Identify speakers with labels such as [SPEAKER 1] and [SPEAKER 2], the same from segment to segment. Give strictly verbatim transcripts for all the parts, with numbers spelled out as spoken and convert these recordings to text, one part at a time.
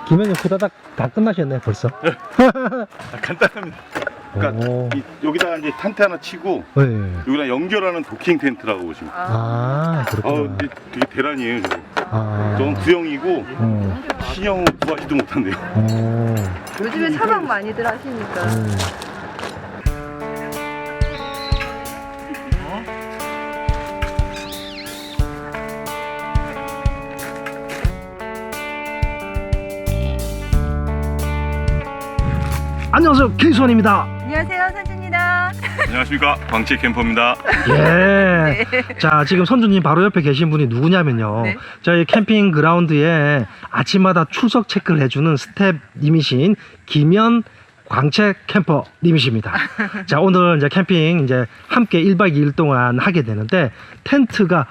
[SPEAKER 1] 김현님 후다닥 다 끝나셨네 벌써.
[SPEAKER 2] 아, 간단합니다. 그러니까 이, 여기다가 이제 텐트 하나 치고
[SPEAKER 1] 네.
[SPEAKER 2] 여기랑 연결하는 도킹 텐트라고 보시면 돼요.
[SPEAKER 1] 아
[SPEAKER 2] 어,
[SPEAKER 1] 그렇구나.
[SPEAKER 2] 근데 되게 대란이에요. 저거.
[SPEAKER 1] 아.
[SPEAKER 2] 저건 구형이고
[SPEAKER 1] 어.
[SPEAKER 2] 신형 구하지도 못한대요.
[SPEAKER 1] 어.
[SPEAKER 3] 요즘에 차박 많이들 하시니까.
[SPEAKER 1] 음. 안녕하세요, 케이수원입니다.
[SPEAKER 3] 안녕하세요, 선주입니다.
[SPEAKER 2] 안녕하십니까, 광채 캠퍼입니다.
[SPEAKER 1] 예. 자, 지금 선주님 바로 옆에 계신 분이 누구냐면요.
[SPEAKER 3] 네.
[SPEAKER 1] 저희 캠핑 그라운드에 아침마다 출석 체크를 해주는 스텝님이신 김현 광채 캠퍼님이십니다. 자, 오늘 이제 캠핑 이제 함께 일 박 이 일 동안 하게 되는데 텐트가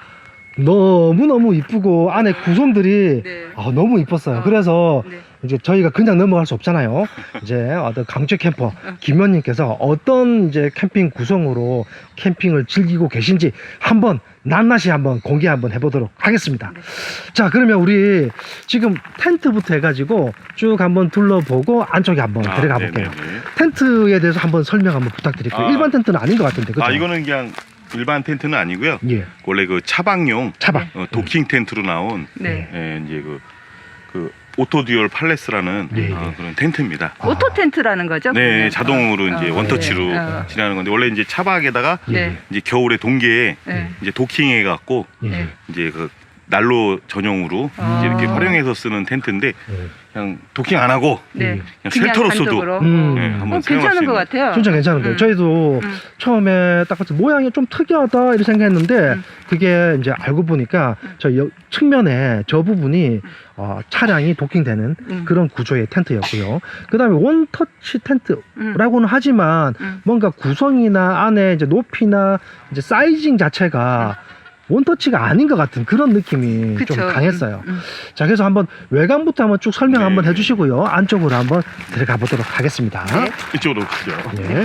[SPEAKER 1] 너무너무 이쁘고 안에 구성들이
[SPEAKER 3] 네.
[SPEAKER 1] 아, 너무 이뻤어요.
[SPEAKER 3] 어.
[SPEAKER 1] 그래서
[SPEAKER 3] 네.
[SPEAKER 1] 이제 저희가 그냥 넘어갈 수 없잖아요. 이제 어떤 강제 캠퍼 김현님께서 어떤 이제 캠핑 구성으로 캠핑을 즐기고 계신지 한번 낱낱이 한번 공개 한번 해보도록 하겠습니다.
[SPEAKER 3] 네.
[SPEAKER 1] 자, 그러면 우리 지금 텐트부터 해가지고 쭉 한번 둘러보고 안쪽에 한번
[SPEAKER 2] 아,
[SPEAKER 1] 들어가 볼게요.
[SPEAKER 2] 네네네.
[SPEAKER 1] 텐트에 대해서 한번 설명 한번 부탁드릴게요.
[SPEAKER 2] 아.
[SPEAKER 1] 일반 텐트는 아닌 것 같은데, 그죠?
[SPEAKER 2] 아, 이거는 그냥 일반 텐트는 아니고요.
[SPEAKER 1] 예,
[SPEAKER 2] 원래 그 차박용
[SPEAKER 1] 차박.
[SPEAKER 2] 어, 도킹 텐트로 나온
[SPEAKER 3] 네.
[SPEAKER 2] 예, 이제 그, 그 오토듀얼 팔레스라는
[SPEAKER 1] 네,
[SPEAKER 2] 어,
[SPEAKER 1] 네.
[SPEAKER 2] 그런 텐트입니다.
[SPEAKER 1] 아.
[SPEAKER 3] 오토 텐트라는 거죠?
[SPEAKER 2] 네,
[SPEAKER 3] 그러면?
[SPEAKER 2] 자동으로
[SPEAKER 3] 어.
[SPEAKER 2] 이제
[SPEAKER 3] 어,
[SPEAKER 2] 원터치로
[SPEAKER 3] 네. 어.
[SPEAKER 2] 지나는 건데 원래 이제 차박에다가
[SPEAKER 3] 네.
[SPEAKER 2] 이제 겨울에 동계에
[SPEAKER 3] 네.
[SPEAKER 2] 이제 도킹해 갖고
[SPEAKER 1] 예.
[SPEAKER 3] 네.
[SPEAKER 2] 이제 그 난로 전용으로
[SPEAKER 3] 아.
[SPEAKER 2] 이제 이렇게 활용해서 쓰는 텐트인데
[SPEAKER 1] 예.
[SPEAKER 2] 그냥 도킹 안 하고
[SPEAKER 3] 네.
[SPEAKER 2] 그냥 쉘터로서도
[SPEAKER 3] 단독으로?
[SPEAKER 1] 음.
[SPEAKER 2] 네, 한번
[SPEAKER 3] 어,
[SPEAKER 2] 사용할 수
[SPEAKER 3] 괜찮은 것
[SPEAKER 2] 있는.
[SPEAKER 3] 같아요.
[SPEAKER 1] 진짜 괜찮은데요.
[SPEAKER 3] 음.
[SPEAKER 1] 저희도
[SPEAKER 3] 음.
[SPEAKER 1] 처음에 딱 봤을 때 모양이 좀 특이하다 이렇게 생각했는데
[SPEAKER 3] 음.
[SPEAKER 1] 그게 이제 알고 보니까 저 여- 측면에 저 부분이 어, 차량이 도킹되는
[SPEAKER 3] 음.
[SPEAKER 1] 그런 구조의 텐트였고요. 그 다음에 원터치 텐트라고는
[SPEAKER 3] 음.
[SPEAKER 1] 하지만
[SPEAKER 3] 음.
[SPEAKER 1] 뭔가 구성이나 안에 이제 높이나 이제 사이징 자체가 원터치가 아닌 것 같은 그런 느낌이
[SPEAKER 3] 그쵸.
[SPEAKER 1] 좀 강했어요.
[SPEAKER 3] 음. 음.
[SPEAKER 1] 자, 그래서 한번 외관부터 한번 쭉 설명
[SPEAKER 2] 네.
[SPEAKER 1] 한번 해주시고요. 안쪽으로 한번 들어가 보도록 하겠습니다.
[SPEAKER 3] 네.
[SPEAKER 2] 이쪽으로 가죠.
[SPEAKER 1] 예.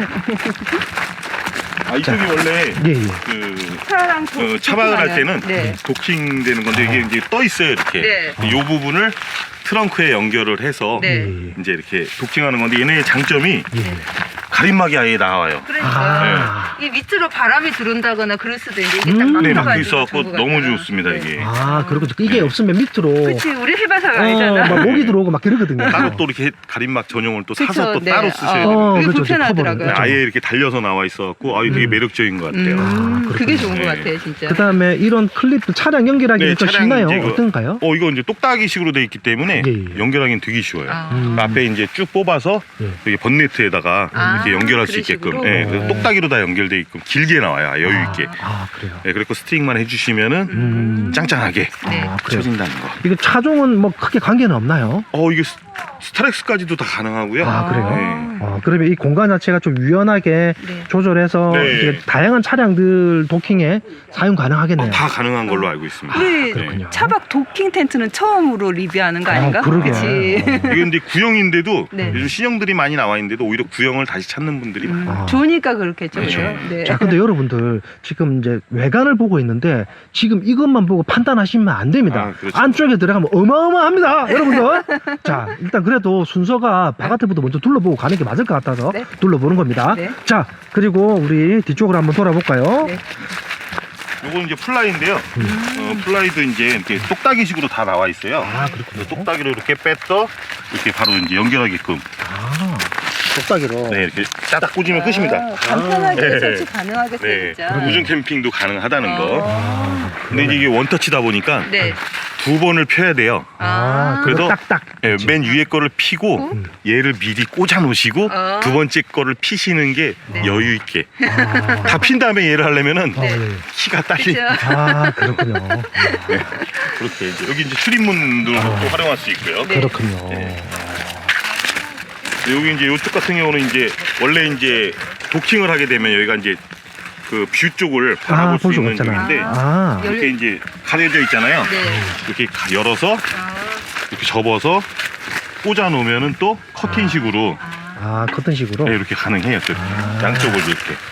[SPEAKER 2] 아, 이쪽이 원래
[SPEAKER 1] 예, 예.
[SPEAKER 2] 그
[SPEAKER 3] 차랑 도,
[SPEAKER 2] 어, 차박을 할 때는
[SPEAKER 3] 네.
[SPEAKER 2] 도킹 되는 건데 이게 이제 떠 있어요, 이렇게.
[SPEAKER 3] 네.
[SPEAKER 2] 이 부분을 트렁크에 연결을 해서
[SPEAKER 3] 네.
[SPEAKER 1] 예.
[SPEAKER 2] 이제 이렇게 도킹하는 건데 얘네의 장점이
[SPEAKER 1] 예.
[SPEAKER 2] 가림막이 아예 나와요.
[SPEAKER 3] 그러니까
[SPEAKER 1] 아.
[SPEAKER 3] 이 밑으로 바람이 들어온다거나 그럴 수도 있는데 이게
[SPEAKER 1] 음.
[SPEAKER 3] 딱
[SPEAKER 2] 네,
[SPEAKER 3] 막혀가지고
[SPEAKER 2] 막혀 있어갖고
[SPEAKER 3] 전부
[SPEAKER 2] 너무
[SPEAKER 3] 갔다가.
[SPEAKER 2] 좋습니다,
[SPEAKER 3] 네.
[SPEAKER 2] 이게.
[SPEAKER 1] 아, 그렇군요. 이게
[SPEAKER 2] 네.
[SPEAKER 1] 없으면 밑으로
[SPEAKER 3] 그치, 우리 해봐서
[SPEAKER 1] 어,
[SPEAKER 3] 알잖아.
[SPEAKER 1] 막 모기 들어오고 막 그러거든요.
[SPEAKER 2] 따로 또 이렇게 가림막 전용을 또
[SPEAKER 3] 그쵸,
[SPEAKER 2] 사서 또
[SPEAKER 3] 네.
[SPEAKER 2] 따로 쓰셔야
[SPEAKER 3] 어,
[SPEAKER 2] 되는데
[SPEAKER 1] 어,
[SPEAKER 3] 그게
[SPEAKER 1] 그렇죠.
[SPEAKER 3] 불편하더라고요.
[SPEAKER 1] 커버는.
[SPEAKER 2] 아예 이렇게 달려서 나와 있어갖고 아, 이게 되게
[SPEAKER 1] 음.
[SPEAKER 2] 매력적인 것 같아요.
[SPEAKER 3] 음,
[SPEAKER 1] 아,
[SPEAKER 3] 그게
[SPEAKER 1] 그렇군요.
[SPEAKER 3] 좋은 것
[SPEAKER 2] 네.
[SPEAKER 3] 같아요, 진짜.
[SPEAKER 1] 그 다음에 이런 클립들 차량 연결하기는
[SPEAKER 2] 네,
[SPEAKER 1] 좀
[SPEAKER 2] 차량
[SPEAKER 1] 쉽나요?
[SPEAKER 2] 이제 그-
[SPEAKER 1] 어떤가요?
[SPEAKER 2] 어, 이거 이제 똑딱이식으로 돼 있기 때문에
[SPEAKER 1] 예, 예.
[SPEAKER 2] 연결하기는 되게 쉬워요.
[SPEAKER 3] 아.
[SPEAKER 1] 음.
[SPEAKER 2] 앞에 이제 쭉 뽑아서
[SPEAKER 1] 예.
[SPEAKER 2] 여기 번네트에다가
[SPEAKER 3] 아,
[SPEAKER 2] 이렇게 연결할 수
[SPEAKER 3] 그런
[SPEAKER 2] 있게끔
[SPEAKER 3] 식으로?
[SPEAKER 2] 예, 그래서
[SPEAKER 1] 어.
[SPEAKER 2] 똑딱이로 다 연결돼 있고 길게 나와요. 여유 있게.
[SPEAKER 1] 아, 그래요.
[SPEAKER 2] 예, 그리고 스틱만 해주시면은
[SPEAKER 1] 음.
[SPEAKER 2] 짱짱하게
[SPEAKER 3] 네.
[SPEAKER 1] 아, 그래요.
[SPEAKER 2] 쳐진다는 거.
[SPEAKER 1] 이거 차종은 뭐 크게 관계는 없나요?
[SPEAKER 2] 어, 이게 스- 스타렉스까지도 다 가능하고요.
[SPEAKER 1] 아, 그래요?
[SPEAKER 2] 네.
[SPEAKER 1] 어, 그러면 이 공간 자체가 좀 유연하게
[SPEAKER 3] 네.
[SPEAKER 1] 조절해서
[SPEAKER 2] 네.
[SPEAKER 1] 이제 다양한 차량들 도킹에 사용 가능하겠네요.
[SPEAKER 2] 어, 다 가능한 걸로 알고 있습니다.
[SPEAKER 3] 우리
[SPEAKER 1] 그렇군요.
[SPEAKER 3] 차박 도킹 텐트는 처음으로 리뷰하는 거 아닌가?
[SPEAKER 1] 아, 그러게.
[SPEAKER 3] 그치?
[SPEAKER 1] 어.
[SPEAKER 2] 이게 근데 구형인데도
[SPEAKER 3] 네.
[SPEAKER 2] 요즘 신형들이 많이 나와 있는데도 오히려 구형을 다시 찾는 분들이 많아요.
[SPEAKER 3] 음,
[SPEAKER 1] 아.
[SPEAKER 3] 좋으니까 그렇겠죠.
[SPEAKER 2] 그렇죠.
[SPEAKER 3] 그죠? 네.
[SPEAKER 1] 자, 근데 여러분들 지금 이제 외관을 보고 있는데 지금 이것만 보고 판단하시면 안 됩니다.
[SPEAKER 2] 아, 그렇죠.
[SPEAKER 1] 안쪽에 들어가면 어마어마합니다, 여러분들. 자, 일단 그래도 순서가 바깥에부터 먼저 둘러보고 가는 게 맞을 것 같아서
[SPEAKER 3] 네.
[SPEAKER 1] 둘러보는 겁니다.
[SPEAKER 3] 네.
[SPEAKER 1] 자, 그리고 우리 뒤쪽으로 한번 돌아볼까요?
[SPEAKER 3] 네.
[SPEAKER 2] 요거는 이제 플라이인데요. 어, 플라이도 이제 이렇게 똑딱이식으로 다 나와 있어요.
[SPEAKER 1] 아, 그렇군요.
[SPEAKER 2] 똑딱이로 이렇게 뺐어 이렇게 바로 이제 연결하게끔
[SPEAKER 1] 아, 똑딱이로.
[SPEAKER 2] 네 이렇게 딱 꽂으면 끝입니다.
[SPEAKER 3] 아, 간편하게
[SPEAKER 2] 네.
[SPEAKER 3] 설치 가능하겠어요,
[SPEAKER 2] 네,
[SPEAKER 3] 진짜.
[SPEAKER 2] 우중 캠핑도 가능하다는 거.
[SPEAKER 3] 아.
[SPEAKER 2] 근데 이제 이게 원터치다 보니까
[SPEAKER 3] 네.
[SPEAKER 2] 두 번을 펴야 돼요.
[SPEAKER 1] 아,
[SPEAKER 3] 아.
[SPEAKER 1] 그래서
[SPEAKER 2] 그래서
[SPEAKER 1] 딱딱.
[SPEAKER 2] 예, 맨 위에 거를 피고
[SPEAKER 3] 음.
[SPEAKER 2] 얘를 미리 꽂아 놓으시고
[SPEAKER 3] 어.
[SPEAKER 2] 두 번째 거를 피시는 게
[SPEAKER 3] 네.
[SPEAKER 2] 여유 있게.
[SPEAKER 1] 아,
[SPEAKER 2] 다 핀 다음에 얘를 하려면은
[SPEAKER 1] 아, 네.
[SPEAKER 2] 키가 딸리.
[SPEAKER 3] 그죠?
[SPEAKER 1] 아, 그렇군요.
[SPEAKER 2] 네, 그렇게 이제 여기 이제 출입문으로 또 활용할 수 있고요.
[SPEAKER 3] 네.
[SPEAKER 1] 그렇군요.
[SPEAKER 2] 네. 여기 이제 이쪽 같은 경우는 이제 원래 이제 도킹을 하게 되면 여기가 이제 그 뷰 쪽을
[SPEAKER 1] 아,
[SPEAKER 2] 바라볼 수
[SPEAKER 1] 볼 수가
[SPEAKER 2] 있는
[SPEAKER 1] 없잖아요.
[SPEAKER 2] 쪽인데
[SPEAKER 1] 아,
[SPEAKER 3] 열-
[SPEAKER 2] 이렇게 이제 가려져 있잖아요.
[SPEAKER 3] 네.
[SPEAKER 2] 이렇게 가- 열어서
[SPEAKER 3] 아.
[SPEAKER 2] 이렇게 접어서 꽂아 놓으면은 또 커튼식으로
[SPEAKER 3] 아.
[SPEAKER 1] 아, 커튼식으로.
[SPEAKER 2] 네, 이렇게 가능해요. 또
[SPEAKER 1] 아.
[SPEAKER 2] 양쪽을 이렇게.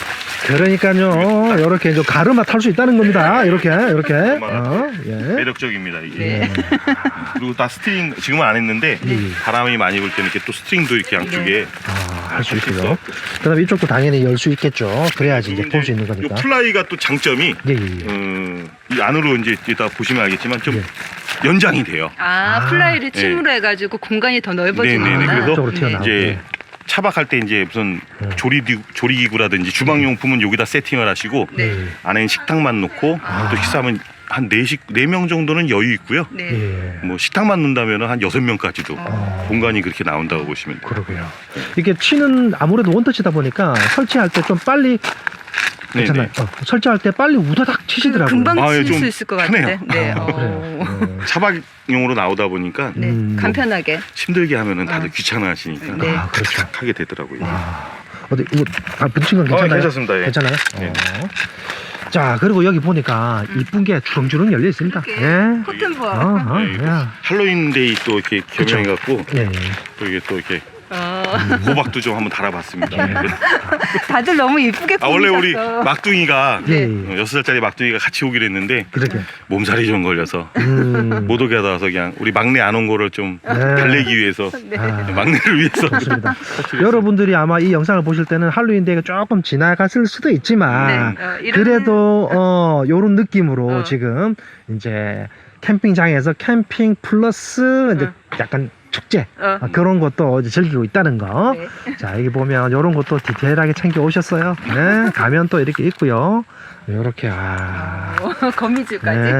[SPEAKER 1] 그러니까요. 이렇게 좀 가르마 탈 수 있다는 겁니다. 이렇게 이렇게. 어, 예.
[SPEAKER 2] 매력적입니다 이게.
[SPEAKER 3] 네.
[SPEAKER 2] 그리고 다 스트링 지금은 안 했는데
[SPEAKER 1] 네.
[SPEAKER 2] 바람이 많이 불 때는 이렇게 또 스트링도 이렇게 양쪽에
[SPEAKER 1] 아, 할 수 있고요. 그다음에 이쪽도 당연히 열 수 있겠죠. 그래야지 이제 볼 수 있는
[SPEAKER 2] 이
[SPEAKER 1] 거니까.
[SPEAKER 2] 플라이가 또 장점이
[SPEAKER 1] 예, 예, 예.
[SPEAKER 2] 음, 이 안으로 이제 이따 보시면 알겠지만 좀
[SPEAKER 1] 예.
[SPEAKER 2] 연장이 돼요.
[SPEAKER 3] 아,
[SPEAKER 1] 아.
[SPEAKER 3] 플라이를 침으로 해가지고 공간이 더
[SPEAKER 2] 네네네.
[SPEAKER 3] 넓어지는구나.
[SPEAKER 2] 그래서
[SPEAKER 1] 쪽으로 튀어나오고.
[SPEAKER 2] 이제 차박할 때 이제 무슨
[SPEAKER 1] 음.
[SPEAKER 2] 조리 조리기구라든지 주방용품은 여기다 세팅을 하시고
[SPEAKER 3] 네.
[SPEAKER 2] 안에는 식탁만 놓고
[SPEAKER 3] 아.
[SPEAKER 2] 또 식사하면 한 네식 네 명 정도는 여유 있고요.
[SPEAKER 3] 네.
[SPEAKER 1] 예.
[SPEAKER 2] 뭐 식탁만 놓는다면 한 여섯 명까지도
[SPEAKER 1] 아.
[SPEAKER 2] 공간이 그렇게 나온다고 보시면 돼요.
[SPEAKER 1] 그러고요. 이게 치는 아무래도 원터치다 보니까 설치할 때 좀 빨리 괜찮아요. 어, 설치할 때 빨리 우다닥 치시더라고요.
[SPEAKER 3] 금방
[SPEAKER 2] 아, 예,
[SPEAKER 3] 칠
[SPEAKER 2] 좀
[SPEAKER 3] 수 있을 것
[SPEAKER 2] 편해요.
[SPEAKER 3] 같은데. 네.
[SPEAKER 1] 아,
[SPEAKER 3] 어.
[SPEAKER 1] 그래요. 네.
[SPEAKER 2] 차박용으로 나오다 보니까
[SPEAKER 3] 네.
[SPEAKER 1] 음.
[SPEAKER 3] 간편하게.
[SPEAKER 2] 힘들게 하면은 다들
[SPEAKER 3] 어.
[SPEAKER 2] 귀찮아하시니까
[SPEAKER 3] 네.
[SPEAKER 1] 아, 그렇죠.
[SPEAKER 2] 하게 되더라고요.
[SPEAKER 1] 아, 어디 이거 아, 붙인 건 괜찮아요?
[SPEAKER 2] 어, 괜찮습니다. 예.
[SPEAKER 1] 괜찮아요?
[SPEAKER 2] 네.
[SPEAKER 1] 어. 자, 그리고 여기 보니까 이쁜 게 주렁주렁 열려 있습니다.
[SPEAKER 3] 이렇게
[SPEAKER 1] 예.
[SPEAKER 3] 커튼
[SPEAKER 1] 어,
[SPEAKER 3] 봐.
[SPEAKER 1] 어,
[SPEAKER 2] 네, 이거
[SPEAKER 1] 야.
[SPEAKER 2] 할로윈데이 또 이렇게
[SPEAKER 1] 그쵸.
[SPEAKER 2] 겸용해갖고
[SPEAKER 1] 예, 예.
[SPEAKER 2] 또 이게 또 이렇게
[SPEAKER 3] 어.
[SPEAKER 2] 호박도 좀 한번 달아봤습니다.
[SPEAKER 1] 네.
[SPEAKER 3] 다들 너무 이쁘게
[SPEAKER 2] 아 원래 우리
[SPEAKER 3] 꾸미셨어.
[SPEAKER 2] 막둥이가
[SPEAKER 1] 예,
[SPEAKER 2] 어,
[SPEAKER 1] 예.
[SPEAKER 2] 여섯 살짜리 막둥이가 같이 오기로 했는데
[SPEAKER 1] 그러게.
[SPEAKER 2] 몸살이 좀 걸려서
[SPEAKER 1] 음.
[SPEAKER 2] 못 오게 하다 와서 그냥 우리 막내 안 온 거를 좀
[SPEAKER 1] 네.
[SPEAKER 2] 달래기 위해서
[SPEAKER 3] 네.
[SPEAKER 1] 아,
[SPEAKER 2] 막내를 위해서
[SPEAKER 1] 좋습니다. 여러분들이 아마 이 영상을 보실 때는 할로윈 데이가 조금 지나갔을 수도 있지만
[SPEAKER 3] 네. 어, 이런-
[SPEAKER 1] 그래도 어 요런 느낌으로
[SPEAKER 3] 어.
[SPEAKER 1] 지금 이제 캠핑장에서 캠핑 플러스 이제
[SPEAKER 3] 어.
[SPEAKER 1] 약간 축제
[SPEAKER 3] 어.
[SPEAKER 1] 아, 그런 것도 이제 즐기고 있다는 거.
[SPEAKER 3] 네.
[SPEAKER 1] 자, 여기 보면 이런 것도 디테일하게 챙겨 오셨어요. 네, 가면 또 이렇게 있고요. 이렇게 아.
[SPEAKER 3] 어, 거미줄까지.
[SPEAKER 1] 네,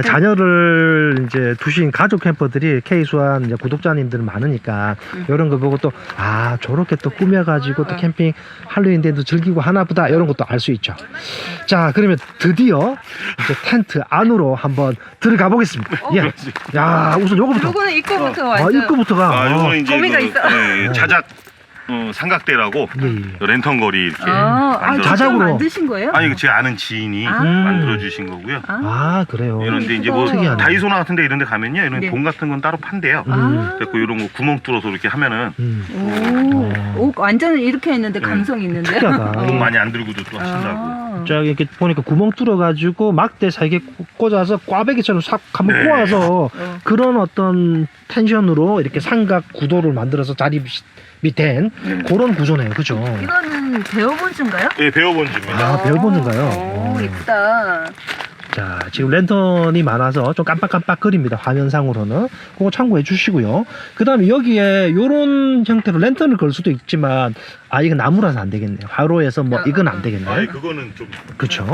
[SPEAKER 1] 자녀를 이제 두신 가족 캠퍼들이 K수한 이제 구독자님들 많으니까
[SPEAKER 3] 음.
[SPEAKER 1] 이런 거 보고 또 아 저렇게 또 꾸며가지고 또
[SPEAKER 3] 어.
[SPEAKER 1] 캠핑 할로윈데이도 즐기고 하나보다 이런 것도 알 수 있죠. 자, 그러면 드디어 이제 텐트 안으로 한번 들어가 보겠습니다.
[SPEAKER 3] 어?
[SPEAKER 1] 예. 야, 우선 요거부터.
[SPEAKER 3] 요거는 입구부터
[SPEAKER 1] 아,
[SPEAKER 3] 완전.
[SPEAKER 1] 입구부터가.
[SPEAKER 2] 아 요거는 이제
[SPEAKER 3] 거미가
[SPEAKER 2] 그,
[SPEAKER 3] 있어.
[SPEAKER 2] 네,
[SPEAKER 1] 어.
[SPEAKER 2] 자작 어, 삼각대라고
[SPEAKER 1] 예, 예.
[SPEAKER 2] 랜턴 거리 이렇게
[SPEAKER 3] 아, 아,
[SPEAKER 2] 만들어-
[SPEAKER 1] 자작으로.
[SPEAKER 3] 자작으로 만드신 거예요?
[SPEAKER 2] 아니 이거 제 아는 지인이
[SPEAKER 3] 아.
[SPEAKER 2] 만들어 주신 거고요.
[SPEAKER 3] 아.
[SPEAKER 1] 아, 그래요.
[SPEAKER 2] 이런데 이제 뭐
[SPEAKER 3] 특이하네.
[SPEAKER 2] 다이소나 같은데 이런데 가면요, 이런
[SPEAKER 3] 네.
[SPEAKER 2] 돔 같은 건 따로 판대요.
[SPEAKER 1] 음.
[SPEAKER 2] 그래서 이런 거 구멍 뚫어서 이렇게 하면은
[SPEAKER 1] 음.
[SPEAKER 3] 오, 오, 완전 이렇게 했는데
[SPEAKER 2] 네.
[SPEAKER 3] 감성 있는데.
[SPEAKER 1] 특이하다.
[SPEAKER 2] 돈 많이 안 들고도 또 하신다고.
[SPEAKER 3] 아.
[SPEAKER 1] 자, 이렇게 보니까 구멍 뚫어가지고 막대 세 개 꽂아서 꽈배기처럼 싹 한번
[SPEAKER 2] 네.
[SPEAKER 1] 꼬아서
[SPEAKER 3] 어.
[SPEAKER 1] 그런 어떤 텐션으로 이렇게 삼각 구도를 만들어서 자리 밑엔 그런 구조네요. 그죠?
[SPEAKER 3] 이거는 배워본 줄인가요?
[SPEAKER 2] 예, 배워본 집입니다.
[SPEAKER 1] 아, 배워보는가요?
[SPEAKER 3] 오,
[SPEAKER 1] 오.
[SPEAKER 3] 이쁘다.
[SPEAKER 1] 자, 지금 랜턴이 많아서 좀 깜빡깜빡거립니다. 화면상으로는. 그거 참고해 주시고요. 그 다음에 여기에 요런 형태로 랜턴을 걸 수도 있지만, 아, 이건 나무라서 안 되겠네요. 화로에서 뭐, 이건 안 되겠네요.
[SPEAKER 2] 아니 그거는 좀
[SPEAKER 1] 그쵸.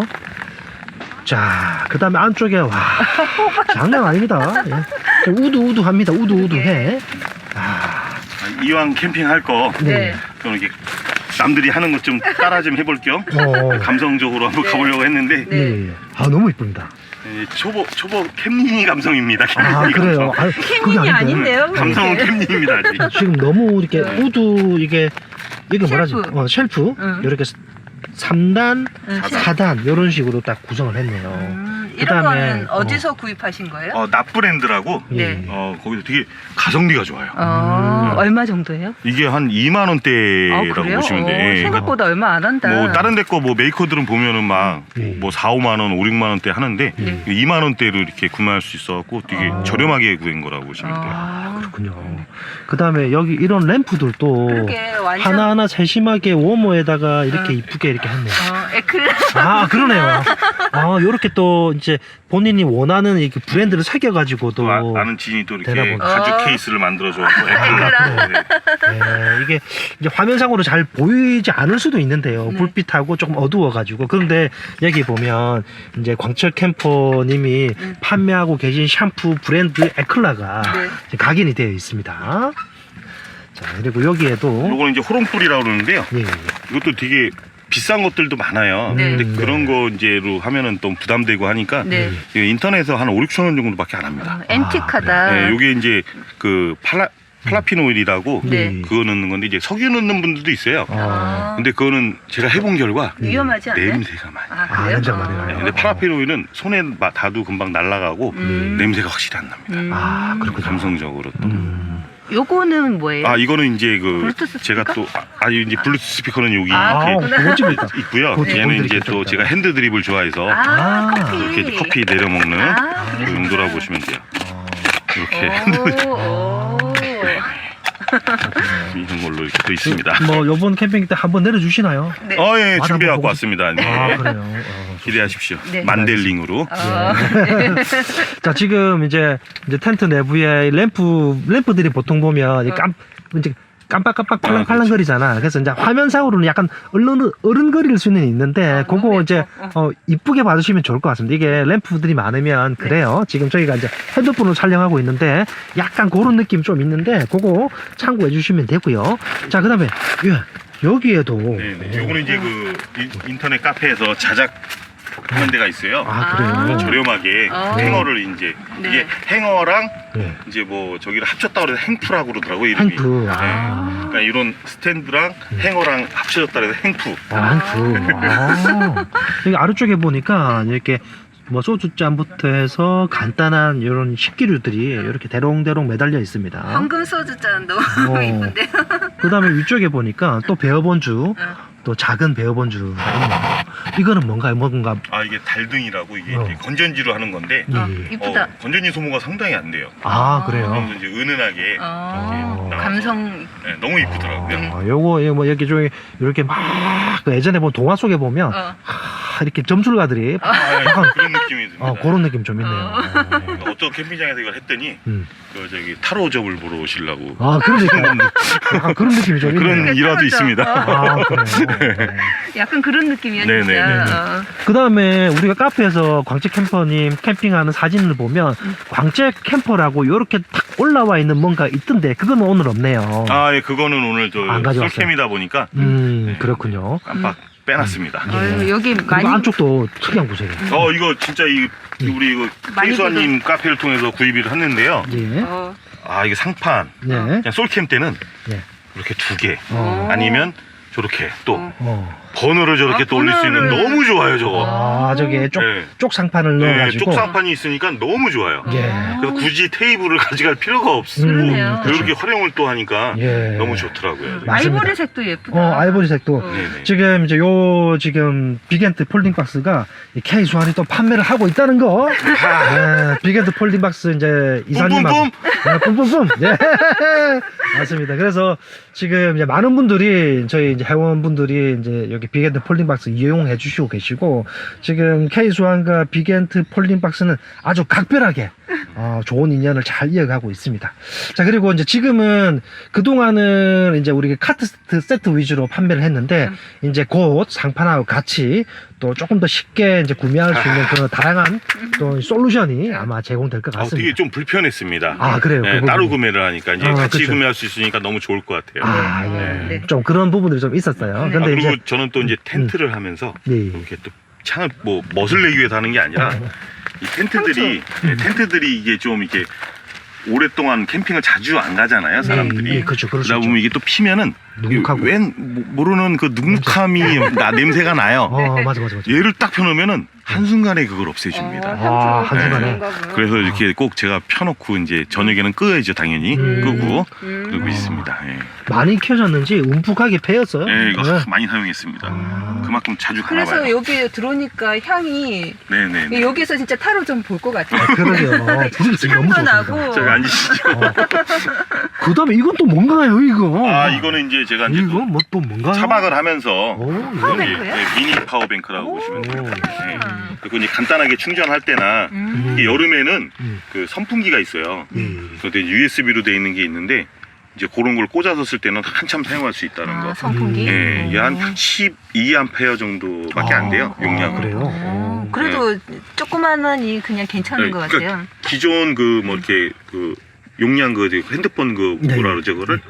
[SPEAKER 1] 자, 그 다음에 안쪽에, 와, 장난 아닙니다. 예. 우두우두합니다. 우두우두해. 아,
[SPEAKER 2] 이왕 캠핑할 거
[SPEAKER 1] 네.
[SPEAKER 2] 좀 이렇게 남들이 하는 것 좀 따라 좀 해볼 겸
[SPEAKER 1] 어,
[SPEAKER 2] 감성적으로 한번
[SPEAKER 3] 네.
[SPEAKER 2] 가보려고 했는데
[SPEAKER 3] 네.
[SPEAKER 1] 예, 예. 아, 너무 이쁩니다.
[SPEAKER 2] 예, 초보 초보 캠린이 감성입니다.
[SPEAKER 1] 아,
[SPEAKER 2] 캠린이
[SPEAKER 1] 그래요.
[SPEAKER 2] 감성.
[SPEAKER 1] 아, 그게
[SPEAKER 3] 캠핑이
[SPEAKER 1] 아닌데.
[SPEAKER 3] 아닌데요?
[SPEAKER 2] 감성은
[SPEAKER 3] 그게.
[SPEAKER 2] 캠린입니다. 아직.
[SPEAKER 1] 지금 너무 이렇게
[SPEAKER 3] 네.
[SPEAKER 1] 우두, 이게, 이게 뭐라지?
[SPEAKER 3] 쉘프.
[SPEAKER 1] 어, 쉘프.
[SPEAKER 3] 응.
[SPEAKER 1] 이렇게 삼 단,
[SPEAKER 3] 응,
[SPEAKER 2] 사단.
[SPEAKER 1] 사 단, 이런 식으로 딱 구성을 했네요.
[SPEAKER 3] 음, 이런
[SPEAKER 1] 그다음에,
[SPEAKER 3] 거는
[SPEAKER 1] 어.
[SPEAKER 3] 어디서 구입하신 거예요?
[SPEAKER 2] 어, 납브랜드라고
[SPEAKER 1] 예.
[SPEAKER 3] 네.
[SPEAKER 2] 어, 거기서 되게 가성비가 좋아요.
[SPEAKER 3] 어,
[SPEAKER 1] 음.
[SPEAKER 3] 얼마 정도예요?
[SPEAKER 2] 이게 한 이만
[SPEAKER 3] 아,
[SPEAKER 2] 원대라고
[SPEAKER 3] 그래요?
[SPEAKER 2] 보시면 돼.
[SPEAKER 3] 어,
[SPEAKER 2] 예.
[SPEAKER 3] 생각보다 얼마 안 한다.
[SPEAKER 2] 뭐 다른 데 거 뭐 메이커들은 보면은 막
[SPEAKER 1] 예.
[SPEAKER 2] 뭐 사, 오만 원, 오, 육만 원대 하는데
[SPEAKER 3] 네.
[SPEAKER 2] 이만 원대로 이렇게 구매할 수 있어 갖고 되게
[SPEAKER 3] 아.
[SPEAKER 2] 저렴하게 구한 거라고 보시면 돼요.
[SPEAKER 3] 아,
[SPEAKER 1] 그렇군요. 그 다음에 여기 이런 램프들도
[SPEAKER 3] 그렇게 완전
[SPEAKER 1] 하나하나 세심하게 워머에다가 이렇게
[SPEAKER 3] 응.
[SPEAKER 1] 이쁘게 이렇게 했네요.
[SPEAKER 3] 어, 에클
[SPEAKER 1] 아, 그러네요. 아, 요렇게 또 이제 본인이 원하는 이렇게 브랜드를 새겨가지고 또.
[SPEAKER 2] 또 아, 아는 지인이 또 이렇게
[SPEAKER 1] 대답은.
[SPEAKER 2] 가죽
[SPEAKER 3] 어.
[SPEAKER 2] 케이스를 만들어줘 갖고
[SPEAKER 3] 에클라.
[SPEAKER 2] 네.
[SPEAKER 1] 예, 이게 이제 화면상으로 잘 보이지 않을 수도 있는데요.
[SPEAKER 3] 네.
[SPEAKER 1] 불빛하고 조금 어두워가지고. 그런데 여기 보면 이제 광철 캠퍼님이
[SPEAKER 3] 음.
[SPEAKER 1] 판매하고 계신 샴푸 브랜드 에클라가
[SPEAKER 3] 네.
[SPEAKER 1] 이제 각인이 되어 있습니다. 자, 그리고 여기에도.
[SPEAKER 2] 요거는 이제 호롱불이라고 그러는데요.
[SPEAKER 1] 예, 예.
[SPEAKER 2] 이것도 되게 비싼 것들도 많아요.
[SPEAKER 3] 네.
[SPEAKER 2] 근데
[SPEAKER 1] 음,
[SPEAKER 2] 그런
[SPEAKER 1] 네.
[SPEAKER 2] 거 이제로 하면은 또 부담되고 하니까
[SPEAKER 3] 네.
[SPEAKER 2] 이거 인터넷에서 한 오, 육천 원 정도밖에 안 합니다.
[SPEAKER 3] 어, 앤틱하다.
[SPEAKER 2] 네, 요게 이제 그 팔라 팔라핀 오일이라고
[SPEAKER 3] 네.
[SPEAKER 2] 그거 넣는 건데 이제 석유 넣는 분들도 있어요.
[SPEAKER 1] 아,
[SPEAKER 2] 근데 그거는 제가 해본 결과
[SPEAKER 3] 위험하지 않아요?
[SPEAKER 2] 냄새가 많이.
[SPEAKER 3] 아,
[SPEAKER 1] 아,
[SPEAKER 3] 그래요?
[SPEAKER 1] 냄새가 많이 나요.
[SPEAKER 2] 네, 근데 파라핀 오일은 손에 마- 닿아도 금방 날아가고
[SPEAKER 3] 음.
[SPEAKER 2] 냄새가 확실히 안 납니다.
[SPEAKER 3] 음.
[SPEAKER 1] 아, 그렇군요.
[SPEAKER 2] 감성적으로 또.
[SPEAKER 1] 음.
[SPEAKER 3] 요거는 뭐예요?
[SPEAKER 2] 아 이거는 이제 그
[SPEAKER 3] 블루투스
[SPEAKER 2] 제가
[SPEAKER 3] 스피커?
[SPEAKER 2] 또 아, 아니 이제 블루투스 스피커는 여기
[SPEAKER 3] 아,
[SPEAKER 2] 이렇게
[SPEAKER 1] 그거 찍을까?
[SPEAKER 2] 있고요.
[SPEAKER 1] 그거
[SPEAKER 2] 얘는 이제
[SPEAKER 1] 보여드릴게요,
[SPEAKER 2] 또
[SPEAKER 1] 좀
[SPEAKER 2] 제가
[SPEAKER 1] 이따가.
[SPEAKER 2] 핸드 드립을 좋아해서
[SPEAKER 3] 아,
[SPEAKER 1] 아,
[SPEAKER 3] 커피.
[SPEAKER 2] 이렇게 이제 커피 내려 먹는
[SPEAKER 3] 아,
[SPEAKER 2] 그 용도라고 보시면 돼요.
[SPEAKER 1] 어,
[SPEAKER 2] 이렇게
[SPEAKER 3] 오, 오.
[SPEAKER 2] 이런 걸로 이렇게 또 있습니다.
[SPEAKER 1] 뭐 요번 캠핑 때 한번 내려주시나요?
[SPEAKER 3] 네.
[SPEAKER 2] 어, 예,
[SPEAKER 1] 맞아,
[SPEAKER 2] 준비해 갖고
[SPEAKER 1] 보고
[SPEAKER 2] 왔습니다. 네.
[SPEAKER 1] 아 그래요. 어,
[SPEAKER 2] 기대하십시오.
[SPEAKER 3] 네.
[SPEAKER 2] 만델링으로.
[SPEAKER 3] 어.
[SPEAKER 1] 자 지금 이제 이제 텐트 내부에 램프 램프들이 보통 보면 이깜 이제 깜빡깜빡 팔랑팔랑거리잖아. 그래서 이제 화면상으로는 약간 얼른 어른거릴 수는 있는데
[SPEAKER 3] 아,
[SPEAKER 1] 그거
[SPEAKER 3] 너무
[SPEAKER 1] 이제
[SPEAKER 3] 예뻐.
[SPEAKER 1] 어 이쁘게 봐주시면 좋을 것 같습니다. 이게 램프들이 많으면 그래요. 지금 저희가 이제 핸드폰으로 촬영하고 있는데 약간 그런 느낌 좀 있는데 그거 참고해 주시면 되고요. 자 그다음에 예, 여기에도
[SPEAKER 2] 네네. 요거는 이제 그 인- 인터넷 카페에서 자작 하는 데가 있어요.
[SPEAKER 1] 아 그래요.
[SPEAKER 3] 아.
[SPEAKER 2] 저렴하게
[SPEAKER 3] 아.
[SPEAKER 2] 행어를 이제
[SPEAKER 3] 네.
[SPEAKER 2] 이게 행어랑
[SPEAKER 1] 네.
[SPEAKER 2] 이제 뭐 저기를 합쳤다 그래서 행푸라고 그러더라고요 이름이.
[SPEAKER 1] 행프.
[SPEAKER 2] 네.
[SPEAKER 1] 아.
[SPEAKER 2] 그러니까 이런 스탠드랑 행어랑 합쳐졌다 그래서 행푸.
[SPEAKER 1] 아, 행프. 아. 여기 아래쪽에 보니까 이렇게 뭐 소주잔부터 해서 간단한 이런 식기류들이 이렇게 대롱대롱 매달려 있습니다.
[SPEAKER 3] 황금 소주잔 너무
[SPEAKER 1] 어.
[SPEAKER 3] 이쁜데요.
[SPEAKER 1] 그 다음에 위쪽에 보니까 또 베어본주,
[SPEAKER 3] 어.
[SPEAKER 1] 또 작은 베어본주가 있네요. 이거는 뭔가요? 뭔가.
[SPEAKER 2] 아 이게 달등이라고 이게
[SPEAKER 1] 어.
[SPEAKER 2] 이제 건전지로 하는 건데
[SPEAKER 1] 예,
[SPEAKER 3] 어,
[SPEAKER 1] 예.
[SPEAKER 3] 이쁘다.
[SPEAKER 2] 어, 건전지 소모가 상당히 안 돼요.
[SPEAKER 1] 아, 그래요?
[SPEAKER 2] 그래서 이제 은은하게
[SPEAKER 3] 어,
[SPEAKER 2] 이렇게 나와서
[SPEAKER 3] 감성.
[SPEAKER 2] 네, 너무 이쁘더라고요.
[SPEAKER 1] 아, 요거, 이거 뭐, 이렇게 좀, 이렇게 막, 그 예전에 본 동화 속에 보면,
[SPEAKER 3] 어.
[SPEAKER 1] 하, 이렇게 점술가들이,
[SPEAKER 2] 아,
[SPEAKER 1] 약간,
[SPEAKER 2] 그런 느낌이 듭니다.
[SPEAKER 1] 어, 그런 느낌 좀 있네요.
[SPEAKER 2] 어. 어떤 캠핑장에서 이걸 했더니
[SPEAKER 1] 음.
[SPEAKER 2] 그 저기 타로점을 보러 오시려고
[SPEAKER 1] 아, 그런 느낌. 약간 그런 느낌이 좀 있네요.
[SPEAKER 2] 그런 일화도
[SPEAKER 3] 타로점.
[SPEAKER 2] 있습니다.
[SPEAKER 1] 아, 그래요.
[SPEAKER 3] 약간 그런 느낌이야
[SPEAKER 2] 네네.
[SPEAKER 3] 진짜.
[SPEAKER 2] 네네.
[SPEAKER 3] 어.
[SPEAKER 1] 그 다음에 우리가 카페에서 광채 캠퍼님 캠핑하는 사진을 보면 광채 캠퍼라고 이렇게 탁 올라와 있는 뭔가 있던데 그건 오늘 없네요.
[SPEAKER 2] 아, 예, 그거는 오늘 저
[SPEAKER 1] 안 가져왔어요.
[SPEAKER 2] 솔캠이다 보니까
[SPEAKER 1] 음,
[SPEAKER 2] 네.
[SPEAKER 1] 그렇군요.
[SPEAKER 2] 깜빡 빼놨습니다.
[SPEAKER 3] 어휴, 여기
[SPEAKER 1] 그리고
[SPEAKER 3] 많이
[SPEAKER 1] 안쪽도 특이한 곳이에요.
[SPEAKER 2] 어, 이거 진짜 이 우리 이거
[SPEAKER 3] 많이
[SPEAKER 2] 케이수아님 카페를 통해서 구입을 했는데요.
[SPEAKER 1] 예.
[SPEAKER 3] 어.
[SPEAKER 2] 아, 이게 상판.
[SPEAKER 1] 네.
[SPEAKER 2] 그냥 솔캠 때는
[SPEAKER 1] 네.
[SPEAKER 2] 이렇게 두 개.
[SPEAKER 1] 어.
[SPEAKER 2] 아니면 저렇게 또
[SPEAKER 3] 어.
[SPEAKER 1] 어.
[SPEAKER 2] 버너를 저렇게
[SPEAKER 3] 아,
[SPEAKER 2] 또 올릴 수 있는
[SPEAKER 3] 버너를.
[SPEAKER 2] 너무 좋아요, 저거.
[SPEAKER 1] 아, 저기 쪽,
[SPEAKER 2] 네.
[SPEAKER 1] 쪽 상판을
[SPEAKER 2] 네,
[SPEAKER 1] 넣어가지고.
[SPEAKER 2] 쪽상판이 있으니까 너무 좋아요.
[SPEAKER 1] 예.
[SPEAKER 2] 그래서 굳이 테이블을 가져갈 필요가 없어.
[SPEAKER 1] 음,
[SPEAKER 3] 그러네요.
[SPEAKER 2] 이렇게 활용을 또 하니까
[SPEAKER 1] 예.
[SPEAKER 2] 너무 좋더라고요.
[SPEAKER 1] 맞습니다.
[SPEAKER 3] 아이보리색도 예쁘다.
[SPEAKER 1] 어, 아이보리색도.
[SPEAKER 3] 어.
[SPEAKER 2] 네네.
[SPEAKER 1] 지금 이제 요 지금 빅엔트 폴딩 박스가 이 K 수환이 또 판매를 하고 있다는 거. 네, 빅엔트 폴딩 박스 이제 이사님하고 네, 뿜뿜뿜. 예. 맞습니다. 그래서 지금 이제 많은 분들이 저희 이제 회원분들이 이제 여기 빅엔트 폴딩 박스 이용해 주시고 계시고 지금 K 수환과 빅엔트 폴딩 박스는 아주 각별하게 어, 좋은 인연을 잘 이어가고 있습니다. 자, 그리고 이제 지금은 그동안은 이제 우리가 카트 세트, 세트 위주로 판매를 했는데, 이제 곧 상판하고 같이 또 조금 더 쉽게 이제 구매할 수 있는 그런 다양한 또 솔루션이 아마 제공될 것
[SPEAKER 2] 아, 되게
[SPEAKER 1] 같습니다.
[SPEAKER 2] 좀 불편했습니다.
[SPEAKER 1] 아, 그래요?
[SPEAKER 2] 네,
[SPEAKER 1] 그
[SPEAKER 2] 따로
[SPEAKER 1] 부분이.
[SPEAKER 2] 구매를 하니까 이제
[SPEAKER 1] 아,
[SPEAKER 2] 같이
[SPEAKER 1] 그쵸.
[SPEAKER 2] 구매할 수 있으니까 너무 좋을 것 같아요.
[SPEAKER 1] 아, 예.
[SPEAKER 3] 네. 네.
[SPEAKER 1] 좀 그런 부분들이 좀 있었어요.
[SPEAKER 3] 네.
[SPEAKER 1] 근데
[SPEAKER 2] 아, 그리고
[SPEAKER 1] 이제,
[SPEAKER 2] 저는 또 이제 텐트를 하면서
[SPEAKER 1] 예.
[SPEAKER 2] 이렇게 또 창을 뭐 멋을 내기 위해서 하는 게 아니라 이 텐트들이 네, 텐트들이 이게 좀 이렇게 오랫동안 캠핑을 자주 안 가잖아요, 사람들이.
[SPEAKER 1] 예, 그렇죠. 그럴 수
[SPEAKER 2] 그러다
[SPEAKER 1] 있죠.
[SPEAKER 2] 보면 이게 또 피면은
[SPEAKER 1] 눅눅하고.
[SPEAKER 2] 웬 모- 모르는 그 눅눅함이 나 냄새가 나요.
[SPEAKER 1] 어, 맞아, 맞아, 맞아.
[SPEAKER 2] 얘를 딱 펴놓으면은 한순간에 그걸 없애줍니다.
[SPEAKER 1] 아, 한순간에.
[SPEAKER 3] 네.
[SPEAKER 2] 그래서 이렇게 꼭 제가 펴놓고 이제 저녁에는 끄야죠, 당연히.
[SPEAKER 1] 음.
[SPEAKER 2] 끄고
[SPEAKER 3] 음.
[SPEAKER 2] 그러고 있습니다. 예.
[SPEAKER 1] 많이 켜졌는지 움푹하게 패였어요.
[SPEAKER 2] 예, 이거
[SPEAKER 1] 네.
[SPEAKER 2] 많이 사용했습니다.
[SPEAKER 1] 아.
[SPEAKER 2] 그만큼 자주
[SPEAKER 3] 그래서
[SPEAKER 2] 가나봐요.
[SPEAKER 3] 여기 들어오니까 향이
[SPEAKER 2] 네네.
[SPEAKER 3] 여기서 진짜 타로 좀 볼 것 같아요.
[SPEAKER 1] 아, 그러게요. 분위기 지금 너무
[SPEAKER 3] 향도
[SPEAKER 1] 좋습니다.
[SPEAKER 3] 나고.
[SPEAKER 2] 저기 앉으시죠.
[SPEAKER 1] 어. 그 다음에 이건 또 뭔가요, 이거?
[SPEAKER 2] 아, 이거는 이제 제가 이제
[SPEAKER 1] 이거
[SPEAKER 2] 또
[SPEAKER 1] 뭐 또 뭔가요?
[SPEAKER 2] 차박을 하면서
[SPEAKER 1] 오, 이거.
[SPEAKER 3] 파워뱅크요?
[SPEAKER 2] 예, 예, 미니 파워뱅크라고
[SPEAKER 3] 오.
[SPEAKER 2] 보시면 됩니다. 예.
[SPEAKER 3] 음.
[SPEAKER 2] 그리고 이제 간단하게 충전할 때나
[SPEAKER 3] 음.
[SPEAKER 2] 이게 여름에는
[SPEAKER 1] 음.
[SPEAKER 2] 그 선풍기가 있어요.
[SPEAKER 1] 음.
[SPEAKER 2] 그런데 유에스비로 돼 있는 게 있는데 이제 그런 걸 꽂아서 쓸 때는 한참 사용할 수 있다는
[SPEAKER 3] 아,
[SPEAKER 2] 거.
[SPEAKER 3] 선풍기.
[SPEAKER 2] 예, 이게 한
[SPEAKER 3] 음.
[SPEAKER 2] 십이 암페어 정도밖에 안 돼요,
[SPEAKER 1] 아,
[SPEAKER 2] 용량은.
[SPEAKER 1] 아, 그래요?
[SPEAKER 3] 음,
[SPEAKER 1] 오.
[SPEAKER 3] 그래도 조그만하니 그냥 괜찮은
[SPEAKER 2] 네,
[SPEAKER 3] 것
[SPEAKER 2] 그러니까
[SPEAKER 3] 같아요.
[SPEAKER 2] 기존 그 뭐 이렇게 그 용량 그 핸드폰 그
[SPEAKER 1] 네.
[SPEAKER 2] 뭐라 그러죠, 그거를